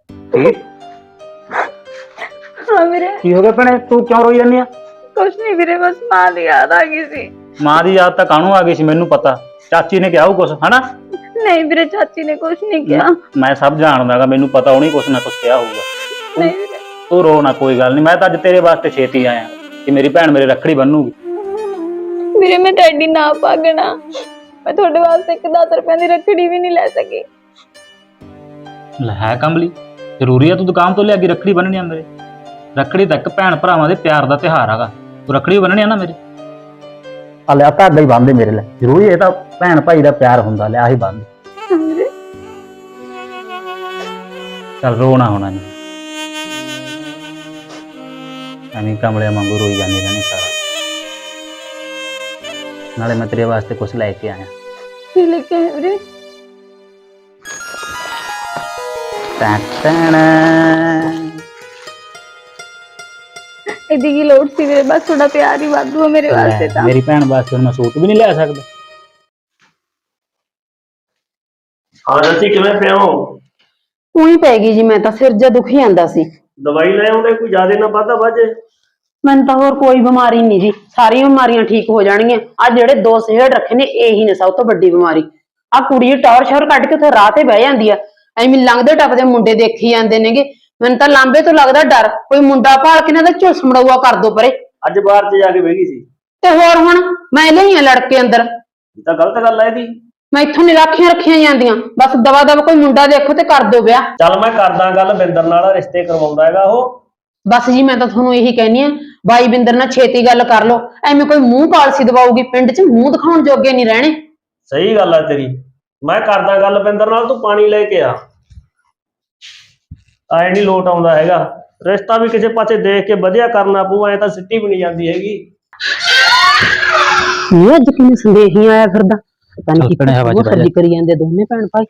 B: ਹਾਂ ਵੀਰੇ,
A: ਕੀ ਹੋ ਗਿਆ ਭੈਣੇ, ਤੂੰ ਕਿਉਂ ਰੋਈ ਜਾਂਦੀ ਆ?
B: ਕੁਛ ਨਹੀਂ ਵੀਰੇ, ਬਸ ਮਾਂ ਦੀ ਯਾਦ ਆ ਗਈ ਸੀ।
A: ਮਾਂ ਦੀ ਯਾਦ ਤਾਂ ਕਾਹਨੂੰ ਆ ਗਈ ਸੀ, ਮੈਨੂੰ ਪਤਾ। ਚਾਚੀ ਨੇ ਕਿਹਾ ਉਹ ਕੁਛ, ਹਨਾ?
B: ਨਹੀਂ ਵੀਰੇ, ਚਾਚੀ ਨੇ ਕੁਛ ਨਹੀਂ ਕਿਹਾ।
A: ਮੈਂ ਸਭ ਜਾਣਦਾਗਾ, ਮੈਨੂੰ ਪਤਾ ਉਹਨੇ ਕੁਛ ਨਾ ਕੁਛ ਕਿਹਾ ਹੋਊਗਾ।
B: ਨਹੀਂ ਵੀਰੇ,
A: ਤੂੰ ਰੋ ਨਾ, ਕੋਈ ਗੱਲ ਨਹੀਂ। ਮੈਂ ਤਾਂ ਅੱਜ ਤੇਰੇ ਵਾਸਤੇ ਛੇਤੀ ਆਇਆ ਕਿ ਮੇਰੀ ਭੈਣ ਮੇਰੇ ਰੱਖੜੀ ਬੰਨੂਗੀ।
B: ਵੀਰੇ ਮੈਂ ਤੁਹਾਡੀ ਨਾ ਪਾਗਣਾ, ਮੈਂ ਤੁਹਾਡੇ ਵਾਸਤੇ ਇੱਕ ਦਸ ਰੁਪਏ ਦੀ ਰੱਖੜੀ ਵੀ ਨਹੀਂ ਲੈ ਸਕੀ।
A: ਲੈ ਹੈ ਕਮਲੀ, ਜ਼ਰੂਰੀ ਆ ਤੂੰ ਦੁਕਾਨ ਤੋਂ ਲਿਆ ਕੇ ਰੱਖੜੀ ਬੰਨਣੀ ਆ ਮੇਰੇ? ਰੱਖੜੀ ਤਾਂ ਇੱਕ ਭੈਣ ਭਰਾਵਾਂ ਦੇ ਪਿਆਰ ਦਾ ਤਿਉਹਾਰ ਹੈਗਾ, ਤੂੰ ਰੱਖੜੀ ਬੰਨਣੀ ਆ ਨਾ ਮੇਰੇ। ਆ ਲਿਆ ਧਾਗਾ ਹੀ ਬੰਨ੍ਹ ਮੇਰੇ ਲਈ, ਜ਼ਰੂਰੀ ਇਹ ਤਾਂ ਭੈਣ ਭਾਈ ਦਾ ਪਿਆਰ ਹੁੰਦਾ, ਲਿਆ ਹੀ ਬੰਨ੍ਹ।
B: ਵੀਰੇ
A: ਚੱਲ ਰੋਣਾ ਹੋਣਾ ਨਹੀਂ, ਐਵੇਂ ਕਮਲਿਆਂ ਵਾਂਗੂ ਰੋਈ ਜਾਂਦੀ ਰਹਿਣੀ ਸਾਰਾ। ਨਾਲੇ ਮੈਂ ਤੇਰੇ ਵਾਸਤੇ ਕੁਛ ਲੈ ਕੇ ਆਇਆ।
B: ਕੀ ਲੈ ਕੇ ਆਏ ਵੀਰੇ?
A: ਟੈਂ ਟੈਂ
B: ਇਹਦੀ ਕੀ ਲੋੜ ਸੀ ਵੀਰੇ, ਬਸ ਥੋੜਾ ਪਿਆਰ ਹੀ ਵਾਧੂ ਹੈ ਮੇਰੇ ਵਾਸਤੇ ਤਾਂ।
A: ਮੇਰੀ ਭੈਣ ਵਾਸਤੇ ਹੁਣ ਮੈਂ ਸੂਟ ਵੀ ਨਹੀਂ ਲੈ ਸਕਦਾ?
E: ਹਾਂ ਜੱਸੀ, ਕਿਵੇਂ ਪਿਆ ਹੋ?
D: ਉਹੀ ਪੈ ਗਈ ਜੀ, ਮੈਂ ਤਾਂ ਸਿਰ ਜਿਹਾ ਦੁਖੀ ਆਂਦਾ ਸੀ।
E: ਦਵਾਈ ਲੈ ਆਉਂਦੇ, ਕੋਈ ਜ਼ਿਆਦਾ ਨਾ ਵਾਧਾ ਵੱਜੇ।
D: ਮੈਨੂੰ ਤਾਂ ਹੋਰ ਕੋਈ ਬਿਮਾਰੀ ਨਹੀਂ ਜੀ, ਸਾਰੀਆਂ ਬਿਮਾਰੀਆਂ ਠੀਕ ਹੋ ਜਾਣਗੀਆਂ। ਆ ਜਿਹੜੇ ਦੋ ਸਿਹੜ ਰੱਖੇ ਨੇ, ਇਹੀ ਨੇ ਸਭ ਤੋਂ ਵੱਡੀ ਬਿਮਾਰੀ। ਆ ਕੁੜੀ ਟੌਰ ਸ਼ੌਰ ਕੱਢ ਕੇ ਉੱਥੇ ਰਾਹ ਤੇ ਬਹਿ ਜਾਂਦੀ ਆ, ਐਵੇਂ ਲੰਘਦੇ ਟੱਪਦੇ ਮੁੰਡੇ ਦੇਖੀ ਜਾਂਦੇ ਨੇਗੇ। ਮੈਨੂੰ ਤਾਂ ਲਾਂਬੇ ਤੋਂ ਲੱਗਦਾ ਡਰ, ਕੋਈ ਮੁੰਡਾ ਭਾਲ ਕੇ ਨਾ ਦਾ ਝੁਲਸ ਮੜਾਊਆ ਕਰ ਦੋ ਪਰੇ।
E: ਅੱਜ ਬਾਹਰ ਚ ਜਾ ਕੇ ਬਹਿ ਗਈ ਸੀ
D: ਤੇ ਹੋਰ ਹੁਣ ਮੈਂ ਲਈਆਂ ਲੜਕੇ ਅੰਦਰ,
E: ਇਹ ਤਾਂ ਗਲਤ ਗੱਲ ਹੈ ਇਹਦੀ।
D: ਮੈਂ ਇੱਥੋਂ ਨੀ ਰਾਖੀਆਂ ਰੱਖੀਆਂ ਜਾਂਦੀਆਂ, ਬਸ ਦਵਾ ਦਵਾ ਕੋਈ ਮੁੰਡਾ ਦੇਖੋ ਤੇ ਕਰ ਦੋ ਵਿਆਹ।
E: ਚੱਲ ਮੈਂ ਕਰਦਾ ਗੱਲ ਬਿੰਦਰ ਨਾਲ, ਰਿਸ਼ਤੇ ਕਰਵਾਉਂਦਾ ਹੈਗਾ ਉਹ।
D: ਬਸ ਜੀ ਮੈਂ ਤਾਂ ਤੁਹਾਨੂੰ ਇਹੀ ਕਹਿਨੀ ਆ, ਬਾਈ ਬਿੰਦਰ ਨਾਲ ਛੇਤੀ ਗੱਲ ਕਰ ਲੋ, ਐਵੇਂ ਕੋਈ ਮੂੰਹ ਪਾਲਸੀ ਦਵਾਊਗੀ, ਪਿੰਡ 'ਚ ਮੂੰਹ ਦਿਖਾਉਣ ਜੋਗੇ ਨਹੀਂ ਰਹਿਣੇ।
E: ਸਹੀ ਗੱਲ ਹੈ ਤੇਰੀ, ਮੈਂ ਕਰਦਾ ਗੱਲ ਬਿੰਦਰ ਨਾਲ, ਤੂੰ ਪਾਣੀ ਲੈ ਕੇ ਆ। ਐ ਨਹੀਂ ਲੋਟ ਆਉਂਦਾ ਹੈਗਾ, ਰਿਸ਼ਤਾ ਵੀ ਕਿਸੇ ਪਾਸੇ ਦੇਖ ਕੇ ਵਧੀਆ ਕਰਨਾ ਪਊ, ਐ ਤਾਂ ਸਿੱਟੀ ਵੀ ਨਹੀਂ ਜਾਂਦੀ ਹੈਗੀ।
D: ਇਹ ਅੱਜ ਕਿਵੇਂ ਸੰਦੇਹ ਹੀ ਆਇਆ ਫਿਰਦਾ, ਪਤਾ ਨਹੀਂ
A: ਚੱਲ ਭੈਣੇ, ਹਵਾ 'ਚ
D: ਕੀ
A: ਬਹਿ ਜਾ।
D: ਖੱਲੀ ਕਰੀ ਜਾਂਦੇ ਦੋਨੇ ਭੈਣ ਭਾਈ।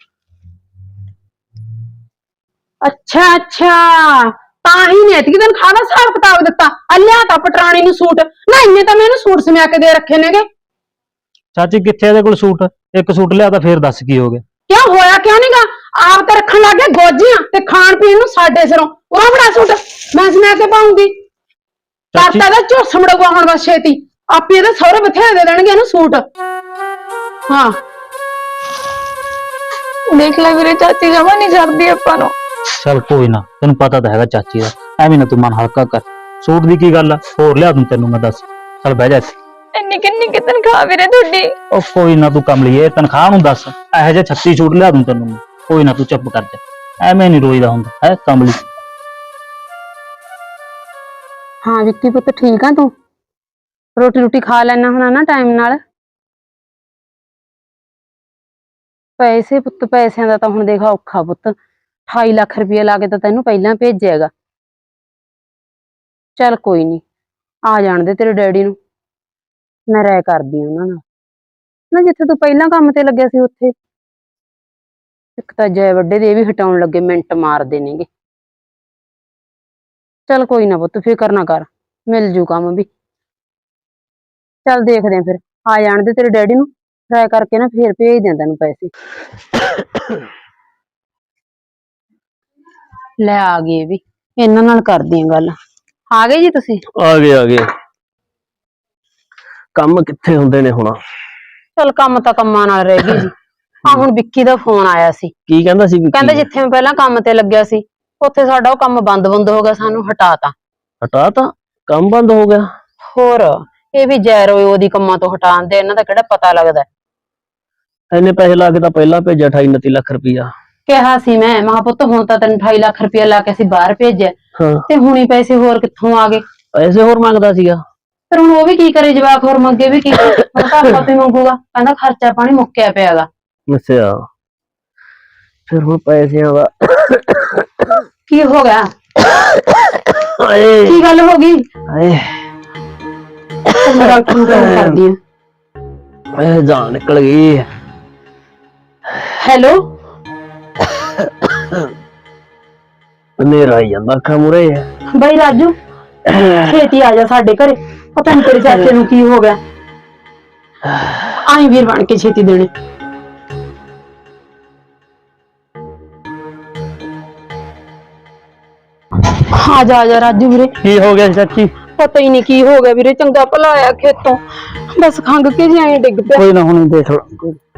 D: ਅੱਛਾ ਅੱਛਾ, ਤਾਂ ਹੀ ਨੇ ਇਤਕੀ ਦਿਨ ਖਾਣਾ ਹਿਸਾਬ ਕਿਤਾਬ ਦਿੱਤਾ। ਆ ਲਿਆ ਤਾਂ ਪਟਰਾਣੀ ਨੂੰ ਸੂਟ, ਨਾ ਇੰਨੇ ਤਾਂ ਮੈਂ ਇਹਨੂੰ ਸੂਟ ਸਮਿਆ ਕੇ ਦੇ ਰੱਖੇ ਨੇਗੇ।
A: ਚਾਚੀ ਕਿੱਥੇ ਇਹਦੇ ਕੋਲ ਸੂਟ? ਇੱਕ ਸੂਟ ਲਿਆ ਤਾਂ ਫੇਰ ਦੱਸ ਕੀ ਹੋ ਗਿਆ?
D: ਕਿਉਂ ਹੋਇਆ ਕਿਉਂ ਨਹੀਂਗਾ? ਆਪ ਤਾਂ ਰੱਖਣ ਲੱਗ ਗਏ ਗੋਜੀਆਂ ਤੇ ਖਾਣ ਪੀਣ ਨੂੰ ਸਾਡੇ ਸਿਰੋਂ। ਉਹ ਬੜਾ ਸੂਟ ਮੈਂ ਸਮਿਆ ਕੇ ਪਾਉਂਗੀ।
A: ਚਾਚੀ-
D: ਕਾਤਾ ਦਾ ਝੁੱਸ ਮੜੂਗਾ ਹੁਣ ਬਸ ਛੇਤੀ, ਆਪੇ ਇਹਦੇ ਸਹੁਰੇ ਬਥੇਰੇ ਦੇ ਦੇਣਗੇ ਇਹਨੂੰ ਸੂਟ। ਹਾਂ
B: ਦੇਖ ਲੈ ਵੀਰੇ, ਚਾਚੀ ਜਮਾ ਨਹੀਂ ਛੱਡਦੀ ਆਪਾਂ ਨੂੰ।
A: ਚੱਲ ਕੋਈ ਨਾ, ਤੈਨੂੰ ਪਤਾ ਤਾਂ ਹੈਗਾ ਚਾਚੀ ਦਾ, ਐਵੇਂ ਨਾ ਤੂੰ ਮਨ ਹਲਕਾ ਕਰ। ਸੂਟ ਦੀ ਕੀ ਗੱਲ ਆ, ਹੋਰ ਲਿਆ ਦੂੰ ਤੈਨੂੰ ਮੈਂ, ਦੱਸ। ਚੱਲ ਬਹਿ ਜਾ ਇੱਥੇ।
B: ਇੰਨੀ ਕਿੰਨੀ ਕਿ ਤਨਖਾਹ ਵੀਰੇ ਤੁਹਾਡੀ?
A: ਉਹ ਕੋਈ ਨਾ, ਤੂੰ ਕਮਲੀਏ, ਤਨਖਾਹ ਨੂੰ ਦੱਸ। ਇਹੋ ਜਿਹੇ ਛੱਤੀ ਸੂਟ ਲਿਆ ਦੂੰ ਤੈਨੂੰ ਮੈਂ, ਕੋਈ ਨਾ, ਤੂੰ ਚੁੱਪ ਕਰ ਜਾ। ਐਵੇਂ ਨਹੀਂ ਰੋਈਦਾ ਹੁੰਦਾ ਹੈ ਕਮਲੀ।
D: ਹਾਂ ਵਿੱਕੀ ਪੁੱਤ, ਠੀਕ ਆ ਤੂੰ? ਰੋਟੀ ਰੋਟੀ ਖਾ ਲੈਣਾ ਹੁਣਾ ਨਾ ਟਾਈਮ ਨਾਲ? ਪੈਸੇ ਪੁੱਤ, ਪੈਸਿਆਂ ਦਾ ਤਾਂ ਹੁਣ ਦੇਖ ਔਖਾ ਪੁੱਤ। ਅਠਾਈ ਲੱਖ ਰੁਪਏ ਲਾ ਕੇ ਤਾਂ ਤੈਨੂੰ ਪਹਿਲਾਂ ਭੇਜਿਆਗਾ। ਚੱਲ ਕੋਈ ਨਹੀਂ, ਆ ਜਾਣ ਦੇ ਤੇਰੇ ਡੈਡੀ ਨੂੰ, ਮੈਂ ਰਾਇ ਕਰਦੀ ਉਹਨਾਂ ਨਾਲ ਨਾ। ਜਿੱਥੇ ਤੂੰ ਪਹਿਲਾਂ ਕੰਮ ਤੇ ਲੱਗਿਆ ਸੀ ਉੱਥੇ ਇੱਕ ਤਾਂ ਜੈ ਵੱਡੇ ਦੇ ਵੀ ਹਟਾਉਣ ਲੱਗੇ, ਮਿੰਟ ਮਾਰਦੇ ਨੇਗੇ। ਚੱਲ ਕੋਈ ਨਾ ਪੁੱਤ, ਫਿਕਰ ਨਾ ਕਰ, ਮਿਲ ਜੂ ਕੰਮ ਵੀ। ਚੱਲ ਦੇਖਦੇ ਆਂ ਫਿਰ, ਆ ਜਾਣ ਦੇ ਤੇਰੇ ਡੈਡੀ ਨੂੰ, ਰਾਇ ਕਰਕੇ ਨਾ ਫੇਰ ਭੇਜ ਦਿਆਂ ਤੈਨੂੰ ਪੈਸੇ। ਲੈ ਆ ਗਏ ਵੀ, ਇਹਨਾਂ ਨਾਲ ਕਰਦੀ ਆਂ ਗੱਲ। ਆ ਗਏ ਜੀ ਤੁਸੀਂ?
E: ਆ ਗਏ ਆ ਗਏ, ਕੰਮ ਕਿੱਥੇ ਹੁੰਦੇ ਨੇ ਹੁਣ।
D: ਚੱਲ ਕੰਮ ਤਾਂ ਕੰਮਾਂ ਨਾਲ ਰਹਿ ਗਏ ਜੀ। ਆ ਹੁਣ ਵਿੱਕੀ ਦਾ ਫੋਨ ਆਇਆ ਸੀ,
E: ਕੀ ਕਹਿੰਦਾ ਸੀ?
D: ਕਹਿੰਦਾ ਜਿੱਥੇ ਮੈਂ ਪਹਿਲਾਂ ਕੰਮ ਤੇ ਲੱਗਿਆ ਸੀ ਉੱਥੇ ਸਾਡਾ ਉਹ ਕੰਮ ਬੰਦ ਬੰਦ ਹੋ ਗਿਆ, ਸਾਨੂੰ ਹਟਾਤਾ।
E: ਹਟਾ ਤਾ? ਕੰਮ ਬੰਦ ਹੋ ਗਿਆ?
D: ਹੋਰ ਇਹ ਵੀ ਜੈਰੋ ਉਹਦੀ ਕੰਮਾਂ ਤੋਂ ਹਟਾਉਣ ਦੇ, ਇਹਨਾਂ ਦਾ ਕਿਹੜਾ ਪਤਾ ਲੱਗਦਾ।
E: ਇੰਨੇ ਪੈਸੇ ਲਾ ਕੇ ਤਾਂ ਪਹਿਲਾਂ ਭੇਜਿਆ ਅਠਾਈ ਉਨੱਤੀ ਲੱਖ ਰੁਪਈਆ।
D: ਕਿਹਾ ਸੀ ਮੈਂ, ਮਹਾ ਪੁੱਤ ਹੁਣ ਤਾਂ ਤੈਨੂੰ ਅਠਾਈ ਲੱਖ ਰੁਪਇਆ ਲਾ ਕੇ ਅਸੀਂ ਬਾਹਰ ਭੇਜਿਆ,
E: ਹਾਂ,
D: ਤੇ ਹੁਣੀ ਪੈਸੇ ਹੋਰ ਕਿੱਥੋਂ ਆ ਗਏ?
E: ਪੈਸੇ ਹੋਰ ਮੰਗਦਾ ਸੀਗਾ।
D: ਫਿਰ ਹੁਣ ਉਹ ਵੀ ਕੀ ਕਰੇ, ਜਵਾਕ ਹੋਰ ਮੰਗੇ ਵੀ ਕੀ ਕਰੇ? ਹੁਣ ਤਾਂ ਆਪਾਂ ਤੇ ਮੰਗੂਗਾ, ਕਹਿੰਦਾ ਖਰਚਾ ਪਾਣੀ ਮੁੱਕਿਆ ਪਿਆਗਾ।
E: ਅੱਛਾ, ਫਿਰ ਹੁਣ ਪੈਸਿਆਂ ਦਾ
D: ਕੀ ਹੋ ਗਿਆ?
E: ਹਾਏ
D: ਕੀ ਗੱਲ ਹੋ ਗਈ?
E: ਹਾਏ
D: ਮੈਂ ਡਾਕਟਰ ਨੂੰ ਫੋਨ ਕਰਦੀ ਆਂ।
E: ਹਾਏ, ਜਾਨ ਨਿਕਲ ਗਈ।
D: ਹੈਲੋ,
E: ਹਨੇਰਾ ਆਈ ਜਾਂਦਾ ਅੱਖਾਂ ਮੂਹਰੇ।
D: ਬਾਈ ਰਾਜੂ, ਛੇਤੀ ਆ ਜਾ ਸਾਡੇ ਘਰੇ, ਪਤਾ ਨੀ ਤੇਰੇ ਚਾਚੇ ਨੂੰ ਕੀ ਹੋ ਗਿਆ। ਆਈ ਵੀਰ ਬਣ ਕੇ ਛੇਤੀ ਦੇਣੇ। ਆ ਜਾ ਆ ਜਾ ਰਾਜੂ ਵੀਰੇ।
A: ਕੀ ਹੋ ਗਿਆ ਸੀ ਚਾਚੀ?
D: ਪਤਾ ਹੀ ਨਹੀਂ ਕੀ ਹੋ ਗਿਆ ਵੀਰੇ, ਚੰਗਾ ਭਲਾ ਆਇਆ ਖੇਤੋਂ, ਬਸ ਖੰਗ ਕੇ ਜਿਹਾ ਡਿੱਗ ਪਿਆ।
A: ਕੋਈ ਨਾ ਹੁਣ ਦੇਖ ਲਾ।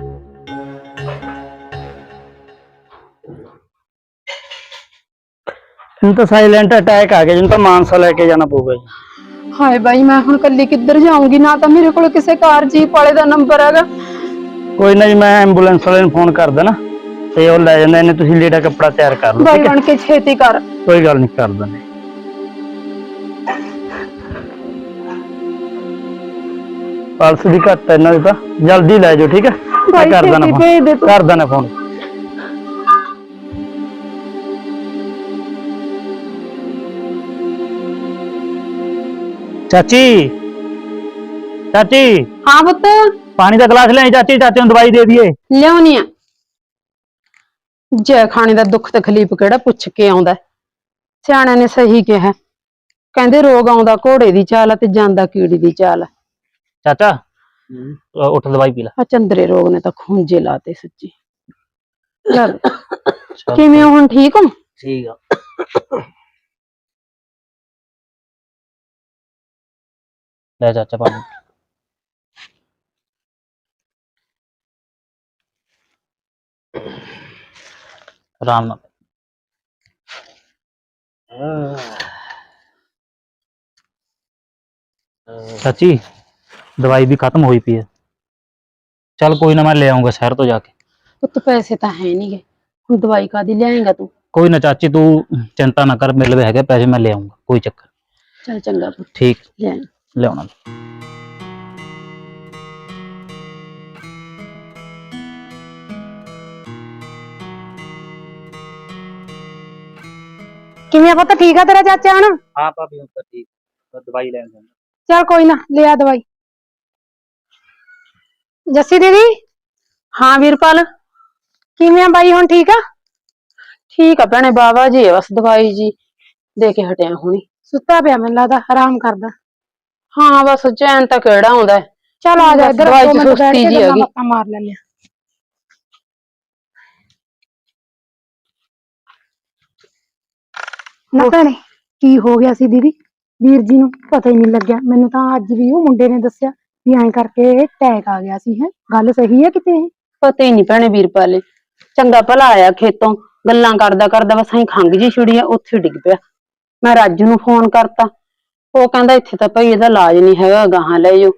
A: ਇਹਨੂੰ ਤਾਂ ਸਾਇਲੈਂਟ ਅਟੈਕ ਆ ਗਿਆ, ਜਿਹਨੂੰ ਤਾਂ ਮਾਨਸਾ ਲੈ ਕੇ ਜਾਣਾ ਪਊਗਾ ਜੀ।
D: ਹਾਏ ਬਾਈ, ਮੈਂ ਹੁਣ ਕੱਲੀ ਕਿੱਧਰ ਜਾਊਂਗੀ? ਨਾ ਤਾਂ ਮੇਰੇ ਕੋਲ ਕਿਸੇ ਕਾਰ ਜੀਪ ਵਾਲੇ ਦਾ ਨੰਬਰ ਹੈਗਾ।
A: ਕੋਈ ਨਾ ਜੀ, ਮੈਂ ਐਂਬੂਲੈਂਸ ਵਾਲੇ ਨੂੰ ਫੋਨ ਕਰ ਦੇਣਾ ਤੇ ਉਹ ਲੈ ਜਾਂਦਾ ਇਹਨੇ। ਤੁਸੀਂ ਲੀੜਾ ਕੱਪੜਾ ਤਿਆਰ ਕਰ ਲਓ,
D: ਬਾਈ
A: ਠੀਕ ਹੈ?
D: ਬਣ ਕੇ ਛੇਤੀ ਕਰ।
A: ਕੋਈ ਗੱਲ ਨਹੀਂ, ਕਰ ਦਿੰਦੇ। ਪਲਸ ਦੀ ਘੱਟ ਹੈ ਇਹਨਾਂ ਦੀ, ਤਾਂ ਜਲਦੀ ਲੈ ਜਾਓ, ਠੀਕ ਹੈ? ਮੈਂ
D: ਬਾਈ
A: ਕਰ ਦੇਣਾ
D: ਛੇਤੀ
A: ਫੋਨ,
D: ਭੇਜ ਦੇ ਤੂੰ।
A: ਕਰ ਦੇਣਾ ਫੋਨ। ਚਾਚੀ, ਚਾਚੀ
D: ਹਾਂ ਪੁੱਤ,
A: ਪਾਣੀ ਦਾ ਗਲਾਸ ਲਿਆਈ ਚਾਚੀ, ਚਾਚੇ ਨੂੰ ਦਵਾਈ ਦੇ ਦਈਏ।
D: ਲਿਆਉਣੀ ਆ। ਜੈ ਖਾਣੇ ਦਾ ਦੁੱਖ ਤਕਲੀਫ ਕਿਹੜਾ ਪੁੱਛ ਕੇ ਆਉਂਦਾ? ਸਿਆਣਿਆਂ ਨੇ ਸਹੀ ਕਿਹਾ, ਕਹਿੰਦੇ ਰੋਗ ਆਉਂਦਾ ਘੋੜੇ ਦੀ ਚਾਲ ਆ ਤੇ ਜਾਂਦਾ ਕੀੜੀ ਦੀ ਚਾਲ।
A: ਚਾਚਾ ਅ, ਉੱਠ ਦਵਾਈ ਪੀ ਲੈ।
D: ਆ ਚੰਦਰੇ ਰੋਗ ਨੇ ਤਾਂ ਖੂੰਜੇ ਲਾਤੇ ਸੱਚੀ। ਚੱਲ
A: ਚੱਲ,
D: ਕਿਵੇਂ ਹੋ ਹੁਣ, ਠੀਕ ਹੋ?
A: ਠੀਕ ਆ। ਲੈ ਚਾਚਾ ਪਾਣੀ। ਆਰਾਮ ਨਾਲ। ਚਾਚੀ ਦਵਾਈ ਵੀ ਖਤਮ ਹੋਈ ਪਈ ਹੈ। ਚੱਲ ਕੋਈ ਨਾ, ਮੈਂ ਲੈ ਆਉਂਗਾ ਸ਼ਹਿਰ ਤੋਂ ਜਾ ਕੇ।
D: ਪੁੱਤ ਪੈਸੇ ਤਾਂ ਹੈ ਨਹੀਂਗੇ, ਹੁਣ ਦਵਾਈ ਕਾਦੀ ਲਿਆਏਗਾ ਤੂੰ?
A: ਕੋਈ ਨਾ ਚਾਚੀ, ਤੂੰ ਚਿੰਤਾ ਨਾ ਕਰ, ਮੇਰੇ ਲਵੇ ਹੈਗੇ ਪੈਸੇ, ਮੈਂ ਲੈ ਆਉਂਗਾ, ਕੋਈ ਚੱਕਰ।
D: ਚੱਲ ਚੰਗਾ ਪੁੱਤ,
A: ਠੀਕ,
D: ਲੈ।
A: ਲਿਆਉਣਾ।
D: ਕਿਵੇਂ ਪੁੱਤ, ਠੀਕ ਆ ਤੇਰਾ ਚਾਚਾ ਹੁਣ?
A: ਹਾਂ ਭਾਬੀ, ਹੁਣ ਤਾਂ ਠੀਕ, ਦਵਾਈ ਲੈਣ ਜਾਣਾ।
D: ਚੱਲ ਕੋਈ ਨਾ, ਲਿਆ ਦਵਾਈ। ਜੱਸੀ ਦੀਦੀ। ਹਾਂ ਵੀਰਪਾਲ, ਕਿਵੇਂ ਆ ਬਾਈ, ਹੁਣ ਠੀਕ ਆ? ਠੀਕ ਆ ਭੈਣੇ, ਬਾਬਾ ਜੀ ਬਸ ਦਵਾਈ ਜੀ ਦੇ ਕੇ ਹਟਿਆ ਹੁਣੀ। ਸੁੱਤਾ ਪਿਆ ਮੈਨੂੰ ਲੱਗਦਾ, ਆਰਾਮ ਕਰਦਾ। ਹਾਂ ਬਸ ਚੈਨ ਤਾਂ ਕਿਹੜਾ ਆਉਂਦਾ। ਚੱਲ ਆ ਜਾ ਇੱਧਰ,
B: ਦਵਾਈ
D: ਦੋ
B: ਚ
D: ਮਿੰਟ
B: ਸੁਸਤੀ
D: ਬੈਠ ਕੇ
B: ਜਿਹੀ
D: ਗੱਲਾਂ
B: ਹੈਗੀ।
D: ਬਾਤਾਂ ਮਾਰ ਲੈਂਦੇ ਆ।
B: ਨਾ ਭੈਣੇ, ਕੀ ਹੋ ਗਿਆ ਸੀ ਦੀਦੀ? ਵੀਰ ਜੀ ਨੂੰ ਪਤਾ ਹੀ ਨਹੀਂ ਲੱਗਿਆ। ਮੈਨੂੰ ਤਾਂ ਅੱਜ ਵੀ ਉਹ ਮੁੰਡੇ ਨੇ ਦੱਸਿਆ ਵੀ ਐਂ ਕਰਕੇ ਟੈਕ ਆ ਗਿਆ ਸੀ। ਹੈ ਗੱਲ ਸਹੀ ਹੈ ਕਿਤੇ ਇਹ?
D: ਪਤਾ ਹੀ ਨਹੀਂ ਭੈਣੇ ਵੀਰਪਾਲੇ, ਚੰਗਾ ਭਲਾ ਆਇਆ ਖੇਤੋਂ, ਗੱਲਾਂ ਕਰਦਾ ਕਰਦਾ ਬਸ ਐਂ ਖੰਗ ਜੀ ਛੁੜੀ ਆ, ਉੱਥੇ ਡਿੱਗ ਪਿਆ। ਮੈਂ ਰਾਜੂ ਨੂੰ ਫੋਨ ਕਰਤਾ, ਉਹ ਕਹਿੰਦਾ ਇੱਥੇ ਤਾਂ ਭਾਈ ਇਹਦਾ ਇਲਾਜ ਨਹੀਂ ਹੈਗਾ, ਗਾਹਾਂ ਲੈ ਜਾਓ।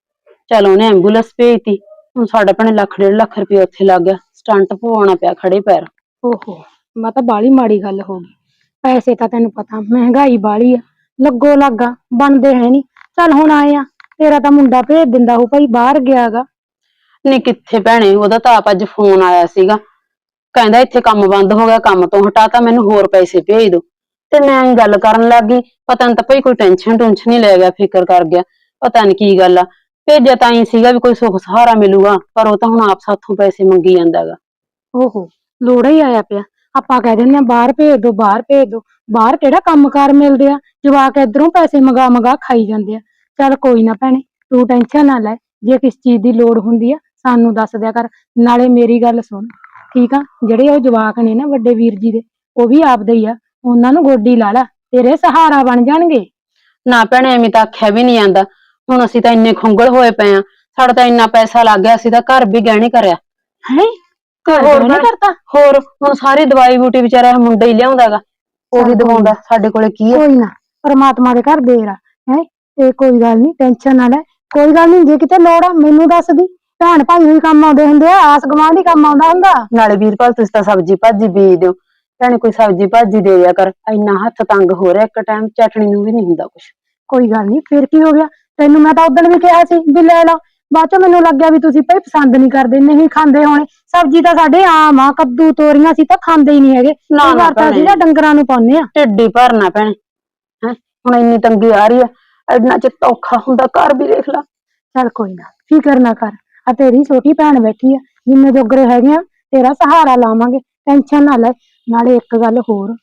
D: ਚਲ ਉਹਨੇ ਐਂਬੂਲੈਂਸ ਭੇਜਤੀ। ਹੁਣ ਸਾਡਾ ਭੈਣੇ ਲੱਖ ਡੇਢ ਲੱਖ ਰੁਪਇਆ ਉੱਥੇ ਲੱਗ ਗਿਆ, ਸਟੰਟ ਪਵਾਉਣਾ ਪਿਆ ਖੜੇ ਪੈਰ।
B: ਓਹੋ, ਮੈਂ ਤਾਂ ਬਾਲੀ ਮਾੜੀ ਗੱਲ ਹੋ ਗਈ। ਪੈਸੇ ਤਾਂ ਤੈਨੂੰ ਪਤਾ ਮਹਿੰਗਾਈ ਬਾਲੀ ਆ, ਲੱਗੋ ਲੱਗਾ ਬਣਦੇ ਹੈ ਨੀ। ਚੱਲ ਹੁਣ ਆਏ ਆ, ਤੇਰਾ ਤਾਂ ਮੁੰਡਾ ਭੇਜ ਦਿੰਦਾ ਉਹ ਭਾਈ ਬਾਹਰ ਗਿਆਗਾ।
D: ਨਹੀਂ ਕਿੱਥੇ ਭੈਣੇ, ਉਹਦਾ ਤਾਂ ਆਪ ਅੱਜ ਫੋਨ ਆਇਆ ਸੀਗਾ, ਕਹਿੰਦਾ ਇੱਥੇ ਕੰਮ ਬੰਦ ਹੋ ਗਿਆ, ਕੰਮ ਤੋਂ ਹਟਾਤਾ, ਮੈਨੂੰ ਹੋਰ ਪੈਸੇ ਭੇਜ ਦੋ। ਤੇ ਮੈਂ ਹੀ ਗੱਲ ਕਰਨ ਲੱਗ ਗਈ, ਪਤਾ ਨੀ ਤਾਂ ਭਾਈ ਕੋਈ ਟੈਨਸ਼ਨ ਟੁਨਸ਼ਨ ਹੀ ਲੈ ਗਿਆ, ਫਿਕਰ ਕਰ ਗਿਆ, ਪਤਾ ਨੀ ਕੀ ਗੱਲ ਆ। ਭੇਜਿਆ ਤਾਂ ਹੀ ਸੀਗਾ ਵੀ ਕੋਈ ਸੁੱਖ ਸਹਾਰਾ ਮਿਲੂਗਾ, ਪਰ ਉਹ ਤਾਂ ਹੁਣ ਆਪ ਸਾਥੋਂ ਪੈਸੇ ਮੰਗੀ ਜਾਂਦਾਗਾ।
B: ਓਹੋ, ਲੋੜਾ ਹੀ ਆਇਆ ਪਿਆ। ਆਪਾਂ ਕਹਿ ਦਿੰਦੇ ਆ ਬਾਹਰ ਭੇਜ ਦੋ, ਬਾਹਰ ਭੇਜ ਦੋ। ਬਾਹਰ ਕਿਹੜਾ ਕੰਮਕਾਰ ਮਿਲਦੇ ਆ, ਜਵਾਕ ਇਧਰੋਂ ਪੈਸੇ ਮੰਗਾ ਮੰਗਾ ਖਾਈ ਜਾਂਦੇ ਆ। ਚੱਲ ਕੋਈ ਨਾ ਭੈਣੇ, ਤੂੰ ਟੈਨਸ਼ਨ ਨਾ ਲੈ। ਜੇ ਕਿਸ ਚੀਜ਼ ਦੀ ਲੋੜ ਹੁੰਦੀ ਆ ਸਾਨੂੰ ਦੱਸ ਦਿਆ ਕਰ। ਨਾਲੇ ਮੇਰੀ ਗੱਲ ਸੁਣ, ਠੀਕ ਆ? ਜਿਹੜੇ ਉਹ ਜਵਾਕ ਨੇ ਨਾ ਵੱਡੇ ਵੀਰ ਜੀ ਦੇ, ਉਹ ਵੀ ਆਪਦੇ ਹੀ ਆ, ਉਹਨਾਂ ਨੂੰ ਗੋਡੀ ਲਾ ਲਾ, ਤੇਰੇ ਸਹਾਰਾ ਬਣ ਜਾਣਗੇ।
D: ਨਾ ਭੈਣੇ, ਐਵੇਂ ਤਾਂ ਆਖਿਆ ਵੀ ਨਹੀਂ ਜਾਂਦਾ। ਹੁਣ ਅਸੀਂ ਤਾਂ ਇੰਨੇ ਖੁੰਗਲ ਹੋਏ ਪਏ ਆ, ਸਾਡਾ ਤਾਂ ਇੰਨਾ ਪੈਸਾ ਲੱਗ ਗਿਆ, ਅਸੀਂ ਤਾਂ ਘਰ ਵੀ ਗਹਿਣੇ ਕਰਿਆ
B: ਹੈ ਘਰ
D: ਹੋਰ
B: ਨਹੀਂ ਕਰਤਾ?
D: ਹੋਰ ਹੁਣ ਸਾਰੀ ਦਵਾਈ ਬੂਟੀ ਵਿਚਾਰਾ ਮੁੰਡਾ ਹੀ ਲਿਆਉਂਦਾਗਾ, ਉਹੀ ਦਵਾਉਂਦਾ। ਸਾਡੇ ਕੋਲੇ ਕੀ ਹੈ?
B: ਕੋਈ ਨਾ, ਪਰਮਾਤਮਾ ਦੇ ਘਰ ਦੇਰ ਆ। ਹੈ ਤੇ ਕੋਈ ਗੱਲ ਨਹੀਂ, ਟੈਨਸ਼ਨ ਨਾ ਲੈ। ਕੋਈ ਗੱਲ ਨਹੀਂ, ਜੇ ਕਿਤੇ ਲੋੜ ਆ ਮੈਨੂੰ ਦੱਸ ਦੀ। ਭੈਣ ਭਾਈ ਵੀ ਕੰਮ ਆਉਂਦੇ ਹੁੰਦੇ ਆ, ਆਸ ਗਵਾਂਢ ਹੀ ਕੰਮ ਆਉਂਦਾ ਹੁੰਦਾ।
D: ਨਾਲੇ ਵੀਰਪਾਲ ਤੁਸੀਂ ਤਾਂ ਸਬਜ਼ੀ ਭਾਜੀ ਬੀਜ ਦਿਓ, ਭੈਣੇ ਕੋਈ ਸਬਜ਼ੀ ਭਾਜੀ ਦੇ ਦਿਆ ਕਰ। ਇੰਨਾ ਹੱਥ ਤੰਗ ਹੋ ਰਿਹਾ, ਇੱਕ ਟਾਈਮ ਚਟਣੀ ਨੂੰ ਵੀ ਨਹੀਂ ਹੁੰਦਾ ਕੁਛ।
B: ਕੋਈ ਗੱਲ ਨਹੀਂ, ਫਿਰ ਕੀ ਹੋ ਗਿਆ? ਤੈਨੂੰ ਮੈਂ ਤਾਂ ਉਦੋਂ ਵੀ ਕਿਹਾ ਸੀ ਵੀ ਲੈ ਲਾ, ਬਾਅਦ ਚ ਮੈਨੂੰ ਲੱਗਿਆ ਵੀ ਤੁਸੀਂ ਭਾਈ ਪਸੰਦ ਨਹੀਂ ਕਰਦੇ, ਨਹੀਂ ਖਾਂਦੇ ਹੋਣੇ। ਸਬਜ਼ੀ ਤਾਂ ਸਾਡੇ ਆਮ ਆ, ਕੱਦੂ ਤੋਰੀਆਂ ਸੀ ਤਾਂ ਖਾਂਦੇ ਹੀ ਨਹੀਂ ਹੈਗੇ।
D: ਨਾ
B: ਕਈ ਵਾਰ ਤਾਂ ਅਸੀਂ ਨਾ ਡੰਗਰਾਂ ਨੂੰ ਪਾਉਂਦੇ ਆ।
D: ਢਿੱਡ ਹੀ ਭਰਨਾ ਭੈਣੇ। ਹੈ ਹੁਣ ਇੰਨੀ ਤੰਗੀ ਆ ਰਹੀ ਆ, ਇੰਨਾ ਚ ਔਖਾ ਹੁੰਦਾ, ਘਰ ਵੀ ਦੇਖ ਲਾ।
B: ਚੱਲ ਕੋਈ ਨਾ, ਫਿਕਰ ਨਾ ਕਰ। ਆ ਤੇਰੀ ਛੋਟੀ ਭੈਣ ਬੈਠੀ ਆ, ਜਿੰਨੇ ਜੋਗਰੇ ਹੈਗੇ ਆ ਤੇਰਾ ਸਹਾਰਾ ਲਾਵਾਂਗੇ, ਟੈਨਸ਼ਨ ਨਾ ਲੈ। ਨਾਲੇ ਇੱਕ ਗੱਲ ਹੋਰ,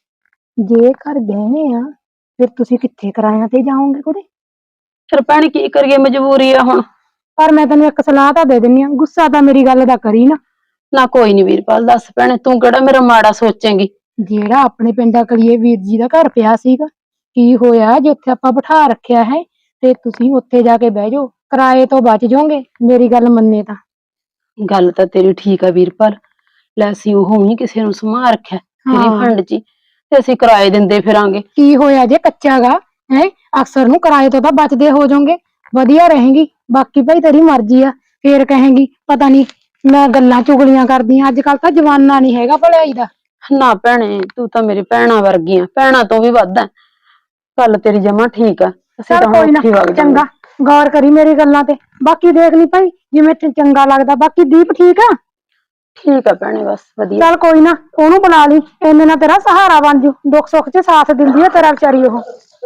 B: ਜੇ ਘਰ ਗਹਿਣੇ ਆ ਫਿਰ ਤੁਸੀਂ ਕਿੱਥੇ ਕਿਰਾਇਆਂ ਤੇ ਜਾਓਗੇ ਕੁੜੇ?
D: ਫਿਰ ਭੈਣੇ ਕੀ ਕਰੀਏ, ਮਜਬੂਰੀ ਆ ਹੁਣ।
B: ਪਰ ਮੈਂ ਤੈਨੂੰ ਇੱਕ ਸਲਾਹ ਤਾਂ ਦੇ ਦਿੰਨੀ ਆ, ਗੁੱਸਾ ਤਾਂ ਮੇਰੀ ਗੱਲ ਦਾ ਕਰੀ ਨਾ।
D: ਨਾ ਕੋਈ ਨੀ ਵੀਰਪਾਲ, ਦੱਸ ਭੈਣੇ, ਤੂੰ ਕਿਹੜਾ ਮੇਰਾ ਮਾੜਾ ਸੋਚੇਂਗੀ। ਜਿਹੜਾ ਆਪਣੇ ਪਿੰਡਾ ਕਲੀਏ ਵੀਰ ਜੀ ਦਾ ਘਰ ਪਿਆ ਸੀਗਾ, ਕੀ ਹੋਇਆ ਜੇ ਉੱਥੇ ਆਪਾਂ ਬਿਠਾ ਰੱਖਿਆ ਹੈ ਤੇ ਤੁਸੀਂ ਉੱਥੇ ਜਾ ਕੇ ਬਹਿ ਜਾਓ, ਕਿਰਾਏ ਤੋਂ ਬਚ ਜਾਓਗੇ। ਮੇਰੀ ਗੱਲ ਮੰਨੇ ਤਾਂ।
C: ਗੱਲ ਤਾਂ ਤੇਰੀ ਠੀਕ ਆ ਵੀਰਪਾਲ, ਲੈ ਅਸੀਂ ਉਹ ਹੀ ਕਿਸੇ ਨੂੰ ਸਮਾ ਰੱਖਿਆ ਤੇਰੀ
D: ਹਾਂ।
C: ਫੰਡ ਚ ਹੀ, ਤੇ ਅਸੀਂ ਕਿਰਾਏ ਦਿੰਦੇ ਫਿਰਾਂਗੇ।
D: ਕੀ ਹੋਇਆ ਜੇ ਕੱਚਾ ਗਾ ਹੈ, ਅਕਸਰ ਨੂੰ ਕਿਰਾਏ ਤੋਂ ਤਾਂ ਬਚਦੇ ਹੋ ਜਾਓਗੇ, ਵਧੀਆ ਰਹੇਗੀ। ਬਾਕੀ ਭਾਈ ਤੇਰੀ ਮਰਜ਼ੀ ਆ, ਫੇਰ ਕਹੇਂਗੀ ਪਤਾ ਨਹੀਂ ਮੈਂ ਗੱਲਾਂ ਚੁਗਲੀਆਂ ਕਰਦੀ ਆਂ। ਅੱਜ ਕੱਲ ਤਾਂ ਜਮਾਨਾ ਨਹੀਂ ਹੈਗਾ ਭਲਾਈ ਦਾ।
C: ਨਾ ਭੈਣੇ, ਤੂੰ ਤਾਂ ਮੇਰੀ ਭੈਣਾਂ ਵਰਗੀ ਆ, ਭੈਣਾਂ ਤੋਂ ਵੀ ਵੱਧ ਆ। ਗੱਲ ਤੇਰੀ ਜਮਾ ਠੀਕ ਆ, ਅਸੀਂ
D: ਚੱਲ
C: ਤਾਂ ਹੁਣ
D: ਕੋਈ ਨਾ,
C: ਉੱਥੇ ਹੀ ਵਗ ਜਾਵਾਂਗੇ।
D: ਚੰਗਾ ਗੌਰ ਕਰੀ ਮੇਰੀ ਗੱਲਾਂ ਤੇ, ਬਾਕੀ ਦੇਖ ਲਈ ਭਾਈ ਜਿਵੇਂ ਤੈਨੂੰ ਚੰਗਾ ਲੱਗਦਾ। ਬਾਕੀ ਦੀਪ ਠੀਕ ਆ?
C: ਠੀਕ ਆ ਭੈਣੇ, ਬਸ ਵਧੀਆ।
D: ਚੱਲ ਕੋਈ ਨਾ, ਉਹਨੂੰ ਬੁਲਾ ਲਈ, ਇੰਨੇ ਨਾਲ ਤੇਰਾ ਸਹਾਰਾ ਬਣ ਜੂ, ਦੁੱਖ ਸੁੱਖ ਚ ਸਾਥ ਦਿੰਦੀ ਆ ਤੇਰਾ ਵਿਚਾਰੀ ਉਹ।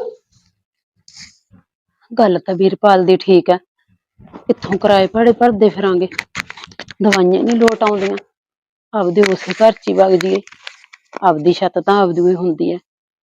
C: ਗੱਲ ਤਾਂ ਵੀਰਪਾਲ ਦੀ ਠੀਕ ਆ, ਕਿੱਥੋਂ ਕਿਰਾਏ ਭਾੜੇ ਭਰਦੇ ਫਿਰਾਂਗੇ, ਦਵਾਈਆਂ ਨਹੀਂ ਲੋਟ ਆਉਂਦੀਆਂ। ਆਪਦੇ ਉਸੇ ਘਰ ਚ ਹੀ ਵਗ ਜੀਏ, ਆਪਦੀ ਛੱਤ ਤਾਂ ਆਪਦੀ ਹੀ ਹੁੰਦੀ ਹੈ।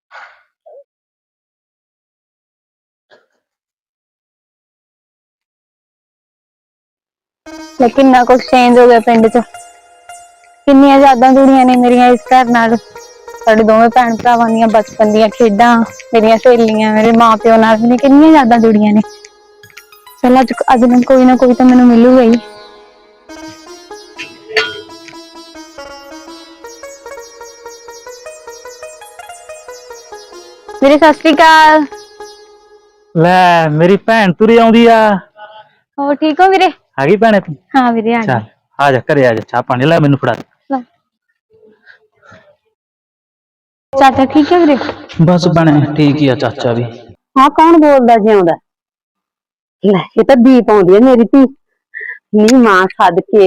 B: ਲੇਕਿਨ ਨਾ ਕੁਛ ਚੇਂਜ ਹੋ ਗਿਆ ਪਿੰਡ ਚ, ਕਿੰਨੀਆਂ ਯਾਦਾਂ ਜੁੜੀਆਂ ਨੇ ਮੇਰੀਆਂ ਇਸ ਘਰ ਨਾਲ। ਸਾਡੇ ਦੋਵੇਂ ਭੈਣ ਭਰਾਵਾਂ ਦੀਆਂ ਬਚਪਨ ਦੀਆਂ ਖੇਡਾਂ, ਮੇਰੀਆਂ ਸਹੇਲੀਆਂ, ਮੇਰੇ ਮਾਂ ਪਿਓ ਨਾਲ ਵੀ ਕਿੰਨੀਆਂ ਯਾਦਾਂ ਜੁੜੀਆਂ ਨੇ। ਚਲ ਅੱਜ ਅੱਜ ਨਾ ਕੋਈ ਨਾ ਕੋਈ ਤਾਂ ਮੈਨੂੰ ਮਿਲੂਗਾ ਹੀ। ਵੀਰੇ ਸਤਿ ਸ਼੍ਰੀ ਅਕਾਲ।
A: ਲੈ ਮੇਰੀ ਭੈਣ ਤੁਰੀ ਆਉਂਦੀ ਆ।
B: ਹੋਰ ਠੀਕ ਹੋ ਵੀਰੇ?
A: ਆ ਗਈ ਭੈਣੇ ਤੂੰ?
B: ਹਾਂ ਵੀਰੇ ਆ
A: ਚੱਲ ਆ ਜਾ, ਘਰੇ ਆ ਜਾ, ਚਾਹ ਪਾਣੀ ਲੈ ਮੈਨੂੰ ਫੜਾ ਦੇ।
B: ਗਈ। ਚਾਚਾ ਠੀਕ ਹੈ ਵੀਰੇ?
A: ਬਸ ਭੈਣੇ ਠੀਕ ਹੀ ਆ ਚਾਚਾ ਵੀ।
C: ਹਾਂ, ਕੌਣ ਬੋਲਦਾ ਜਿਉਂਦਾ? ਲੈ ਇਹ ਤਾਂ ਦੀਪ ਆਉਂਦੀ ਹੈ ਮੇਰੀ ਧੀ। ਨੀ ਮਾਂ ਸਦਕੇ।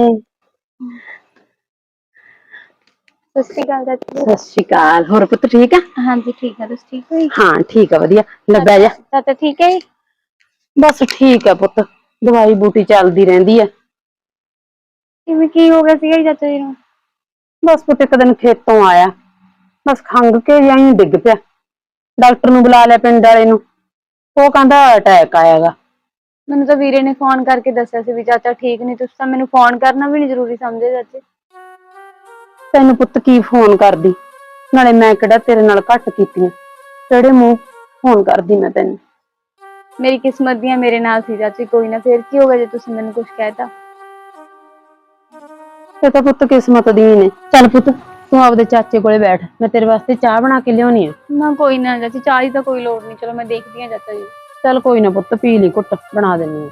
B: ਸਤਿ ਸ਼੍ਰੀ ਅਕਾਲ ਚਾਚੀ।
C: ਸਤਿ ਸ਼੍ਰੀ ਅਕਾਲ। ਹੋਰ ਪੁੱਤ ਠੀਕ ਆ?
B: ਹਾਂਜੀ ਠੀਕ ਆ, ਤੁਸੀਂ ਠੀਕ ਹੋ ਜੀ?
C: ਹਾਂ ਠੀਕ ਆ, ਵਧੀਆ। ਲੈ ਬਹਿ ਜਾ।
B: ਚਾਚਾ ਠੀਕ ਹੈ ਜੀ?
C: ਬਸ ਠੀਕ ਆ ਪੁੱਤ, ਦਵਾਈ ਬੂਟੀ ਚੱਲਦੀ ਰਹਿੰਦੀ ਆ।
B: ਕਿਵੇਂ ਕੀ ਹੋ ਗਿਆ ਸੀਗਾ ਜੀ ਚਾਚਾ ਜੀ ਨੂੰ?
C: ਬਸ ਪੁੱਤ ਇੱਕ ਦਿਨ ਖੇਤੋਂ ਆਇਆ, ਬਸ ਖੰਗ ਕੇ ਜਾਈ ਡਿੱਗ ਪਿਆ। ਡਾਕਟਰ ਨੂੰ ਬੁਲਾ ਲਿਆ ਪਿੰਡ ਵਾਲੇ ਨੂੰ, ਉਹ ਕਹਿੰਦਾ ਅਟੈਕ ਆਇਆਗਾ।
B: ਮੈਨੂੰ ਤਾਂ ਵੀਰੇ ਨੇ ਫੋਨ ਕਰਕੇ ਦੱਸਿਆ ਸੀ ਵੀ ਚਾਚਾ ਠੀਕ ਨਹੀਂ, ਤੁਸੀਂ ਤਾਂ ਮੈਨੂੰ ਫੋਨ ਕਰਨਾ ਵੀ ਨਹੀਂ ਜ਼ਰੂਰੀ ਸਮਝੇ ਚਾਚੇ।
C: ਤੈਨੂੰ ਪੁੱਤ ਕੀ ਫੋਨ ਕਰਦੀ, ਨਾਲੇ ਮੈਂ ਕਿਹੜਾ ਤੇਰੇ ਨਾਲ ਘੱਟ ਕੀਤੀਆਂ, ਕਿਹੜੇ ਮੂੰਹ ਫੋਨ ਕਰਦੀ ਮੈਂ ਤੈਨੂੰ।
B: ਮੇਰੀ ਕਿਸਮਤ ਦੀਆਂ ਮੇਰੇ ਨਾਲ ਸੀ ਚਾਚੀ, ਕੋਈ ਨਾ ਫੇਰ ਕੀ ਹੋ ਗਿਆ ਜੇ ਤੁਸੀਂ ਮੈਨੂੰ ਕੁਝ ਕਹਿਤਾ।
C: ਇਹ ਤਾਂ ਪੁੱਤ ਕਿਸਮਤ ਦੀ ਨੇ। ਚੱਲ ਪੁੱਤ ਤੂੰ ਆਪਦੇ ਚਾਚੇ ਕੋਲੇ ਬੈਠ, ਮੈਂ ਤੇਰੇ ਵਾਸਤੇ ਚਾਹ ਬਣਾ ਕੇ ਲਿਆਉਣੀ ਆ।
B: ਨਾ ਕੋਈ ਨਾ ਚਾਚੀ, ਚਾਹ ਦੀ ਤਾਂ ਕੋਈ ਲੋੜ ਨਹੀਂ, ਚਲੋ ਮੈਂ ਦੇਖਦੀ ਹਾਂ ਚਾਚਾ ਜੀ।
C: ਚੱਲ ਕੋਈ ਨਾ ਪੁੱਤ, ਪੀ ਲਈ ਘੁੱਟ, ਬਣਾ ਦਿੰਨੀ ਆ।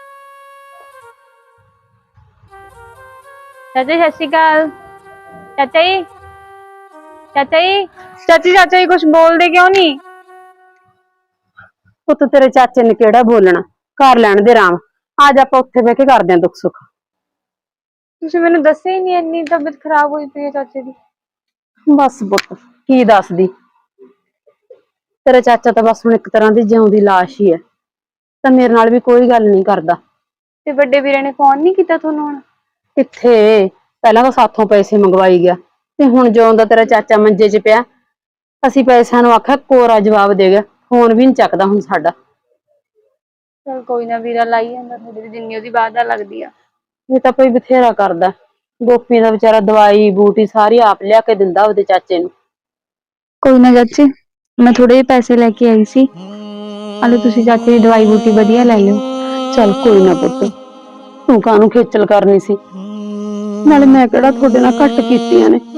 B: ਚਾਚਾ ਜੀ ਸਤਿ ਸ਼੍ਰੀ ਅਕਾਲ। ਚਾਚਾ ਜੀ, ਚਾਚਾ ਜੀ, ਚਾਚੀ ਚਾਚਾ ਜੀ ਕੁਝ ਬੋਲਦੇ ਕਿਉਂ ਨਹੀਂ?
C: ਪੁੱਤ ਤੇਰੇ ਚਾਚੇ ਨੇ ਕਿਹੜਾ ਬੋਲਣਾ, ਕਰ ਲੈਣ ਦੇ ਆਰਾਮ। ਅੱਜ ਆਪਾਂ ਉੱਥੇ ਬਹਿ ਕੇ ਕਰਦੇ ਆਂ ਦੁੱਖ ਸੁੱਖ।
B: ਤੁਸੀਂ ਮੈਨੂੰ ਦੱਸਿਆ ਹੀ ਨਹੀਂ, ਇੰਨੀ ਤਬੀਅਤ ਖਰਾਬ ਹੋਈ ਪਈ ਹੈ ਚਾਚੇ ਦੀ।
C: ਬਸ ਪੁੱਤ ਕੀ ਦੱਸਦੀ, ਤੇਰਾ ਚਾਚਾ ਤਾਂ ਬਸ ਹੁਣ ਇੱਕ ਤਰ੍ਹਾਂ ਦੀ ਜਿਉਂਦੀ ਲਾਸ਼ ਹੀ ਹੈ, ਤਾਂ ਮੇਰੇ ਨਾਲ ਵੀ ਕੋਈ ਗੱਲ ਨਹੀਂ ਕਰਦਾ।
B: ਤੇ ਵੱਡੇ ਵੀਰੇ ਨੇ ਫੋਨ ਨਹੀਂ ਕੀਤਾ ਤੁਹਾਨੂੰ ਹੁਣ?
C: ਕਿੱਥੇ, ਪਹਿਲਾਂ ਤਾਂ ਸਾਥੋਂ ਪੈਸੇ ਮੰਗਵਾਈ ਗਿਆ, ਤੇ ਹੁਣ ਜਿਉਂ ਦਾ ਤੇਰਾ ਚਾਚਾ ਮੰਜੇ 'ਚ ਪਿਆ, ਅਸੀਂ ਪੈਸਿਆਂ ਨੂੰ ਆਖਿਆ ਕੋਰਾ ਜਵਾਬ ਦੇ ਗਿਆ, ਫੋਨ ਵੀ ਨਹੀਂ ਚੱਕਦਾ ਹੁਣ ਸਾਡਾ।
B: ਚਲ ਕੋਈ ਨਾ, ਵੀਰਾ ਲਾਈ ਜਾਂਦਾ ਤੁਹਾਡੀ, ਜਿੰਨੀ ਉਹਦੀ ਬਾਤ ਲੱਗਦੀ ਆ।
C: ਇਹ ਤਾਂ ਕੋਈ ਬਥੇਰਾ ਕਰਦਾ, ਗੋਪੀ ਦਾ ਵਿਚਾਰਾ ਦਵਾਈ ਬੂਟੀ ਸਾਰੀ ਆਪ ਲਿਆ ਕੇ ਦਿੰਦਾ ਉਹਦੇ ਚਾਚੇ ਨੂੰ।
B: ਕੋਈ ਨਾ ਚਾਚੀ, ਮੈਂ ਥੋੜੇ ਜਿਹੇ ਪੈਸੇ ਲੈ ਕੇ ਆਈ ਸੀ, ਹਲੇ ਤੁਸੀਂ ਚਾਚੇ ਦੀ ਦਵਾਈ ਬੂਟੀ ਵਧੀਆ ਲੈ ਲਿਓ।
C: ਚੱਲ ਕੋਈ ਨਾ ਪੁੱਤ, ਤੂੰ ਕਾਹਨੂੰ ਖੇਚਲ ਕਰਨੀ ਸੀ, ਨਾਲੇ ਮੈਂ ਕਿਹੜਾ ਤੁਹਾਡੇ ਨਾਲ ਘੱਟ ਕੀਤੀਆਂ ਨੇ।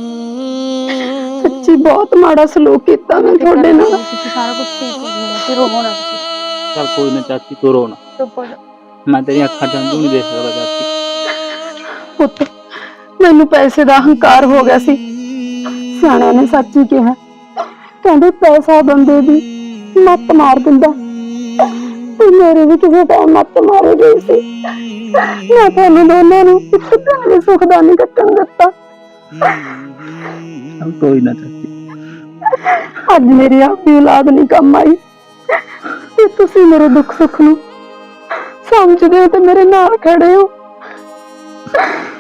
C: ਸੱਚੀ ਬਹੁਤ ਮਾੜਾ ਸਲੂਕ ਕੀਤਾ ਮੈਂ ਤੁਹਾਡੇ ਨਾਲ।
B: ਤੁਸੀਂ ਸਾਰਾ ਕੁਝ ਠੀਕ ਹੋ ਜਾਣਾ, ਫਿਰ ਰੋਵੋ ਨਾ ਤੁਸੀਂ।
A: ਚੱਲ ਕੋਈ ਨਾ ਚਾਚੀ, ਤੂੰ ਰੋ ਨਾ,
B: ਚੁੱਪ ਹੋ ਜਾ।
A: ਮੈਂ ਤੇਰੀਆਂ ਅੱਖਾਂ ਚ ਹੰਝੂ ਨਹੀਂ ਦੇਖ ਸਕਦਾ ਚਾਚੀ।
C: ਪੁੱਤ ਮੈਨੂੰ ਪੈਸੇ ਦਾ ਹੰਕਾਰ ਹੋ ਗਿਆ ਸੀ, ਸਿਆਣਿਆਂ ਨੇ ਸੱਚ ਹੀ ਕਿਹਾ, ਕਹਿੰਦੇ ਪੈਸਾ ਬੰਦੇ ਦੀ ਮੱਤ ਮਾਰ ਦਿੰਦਾ, ਤੇ ਮੇਰੇ ਵੀ ਕਿਸੇ ਟਾਈਮ ਮੱਤ ਮਾਰੇ ਗਈ ਸੀ। ਮੈਂ ਤੁਹਾਨੂੰ ਦੋਨਾਂ ਨੂੰ ਇੱਕ ਦਿਨ ਵੀ ਸੁੱਖ ਦਾ ਨਹੀਂ ਕੱਟਣ ਦਿੱਤਾ।
A: ਚੱਲ ਕੋਈ ਨਾ ਚਾਚੀ,
C: ਅੱਜ ਮੇਰੀ ਆਪਣੀ ਔਲਾਦ ਨਹੀਂ ਕੰਮ ਆਈ, ਤੇ ਤੁਸੀਂ ਮੇਰੇ ਦੁੱਖ ਸੁੱਖ ਨੂੰ ਸਮਝਦੇ ਹੋ ਤੇ ਮੇਰੇ ਨਾਲ ਖੜੇ ਹੋ।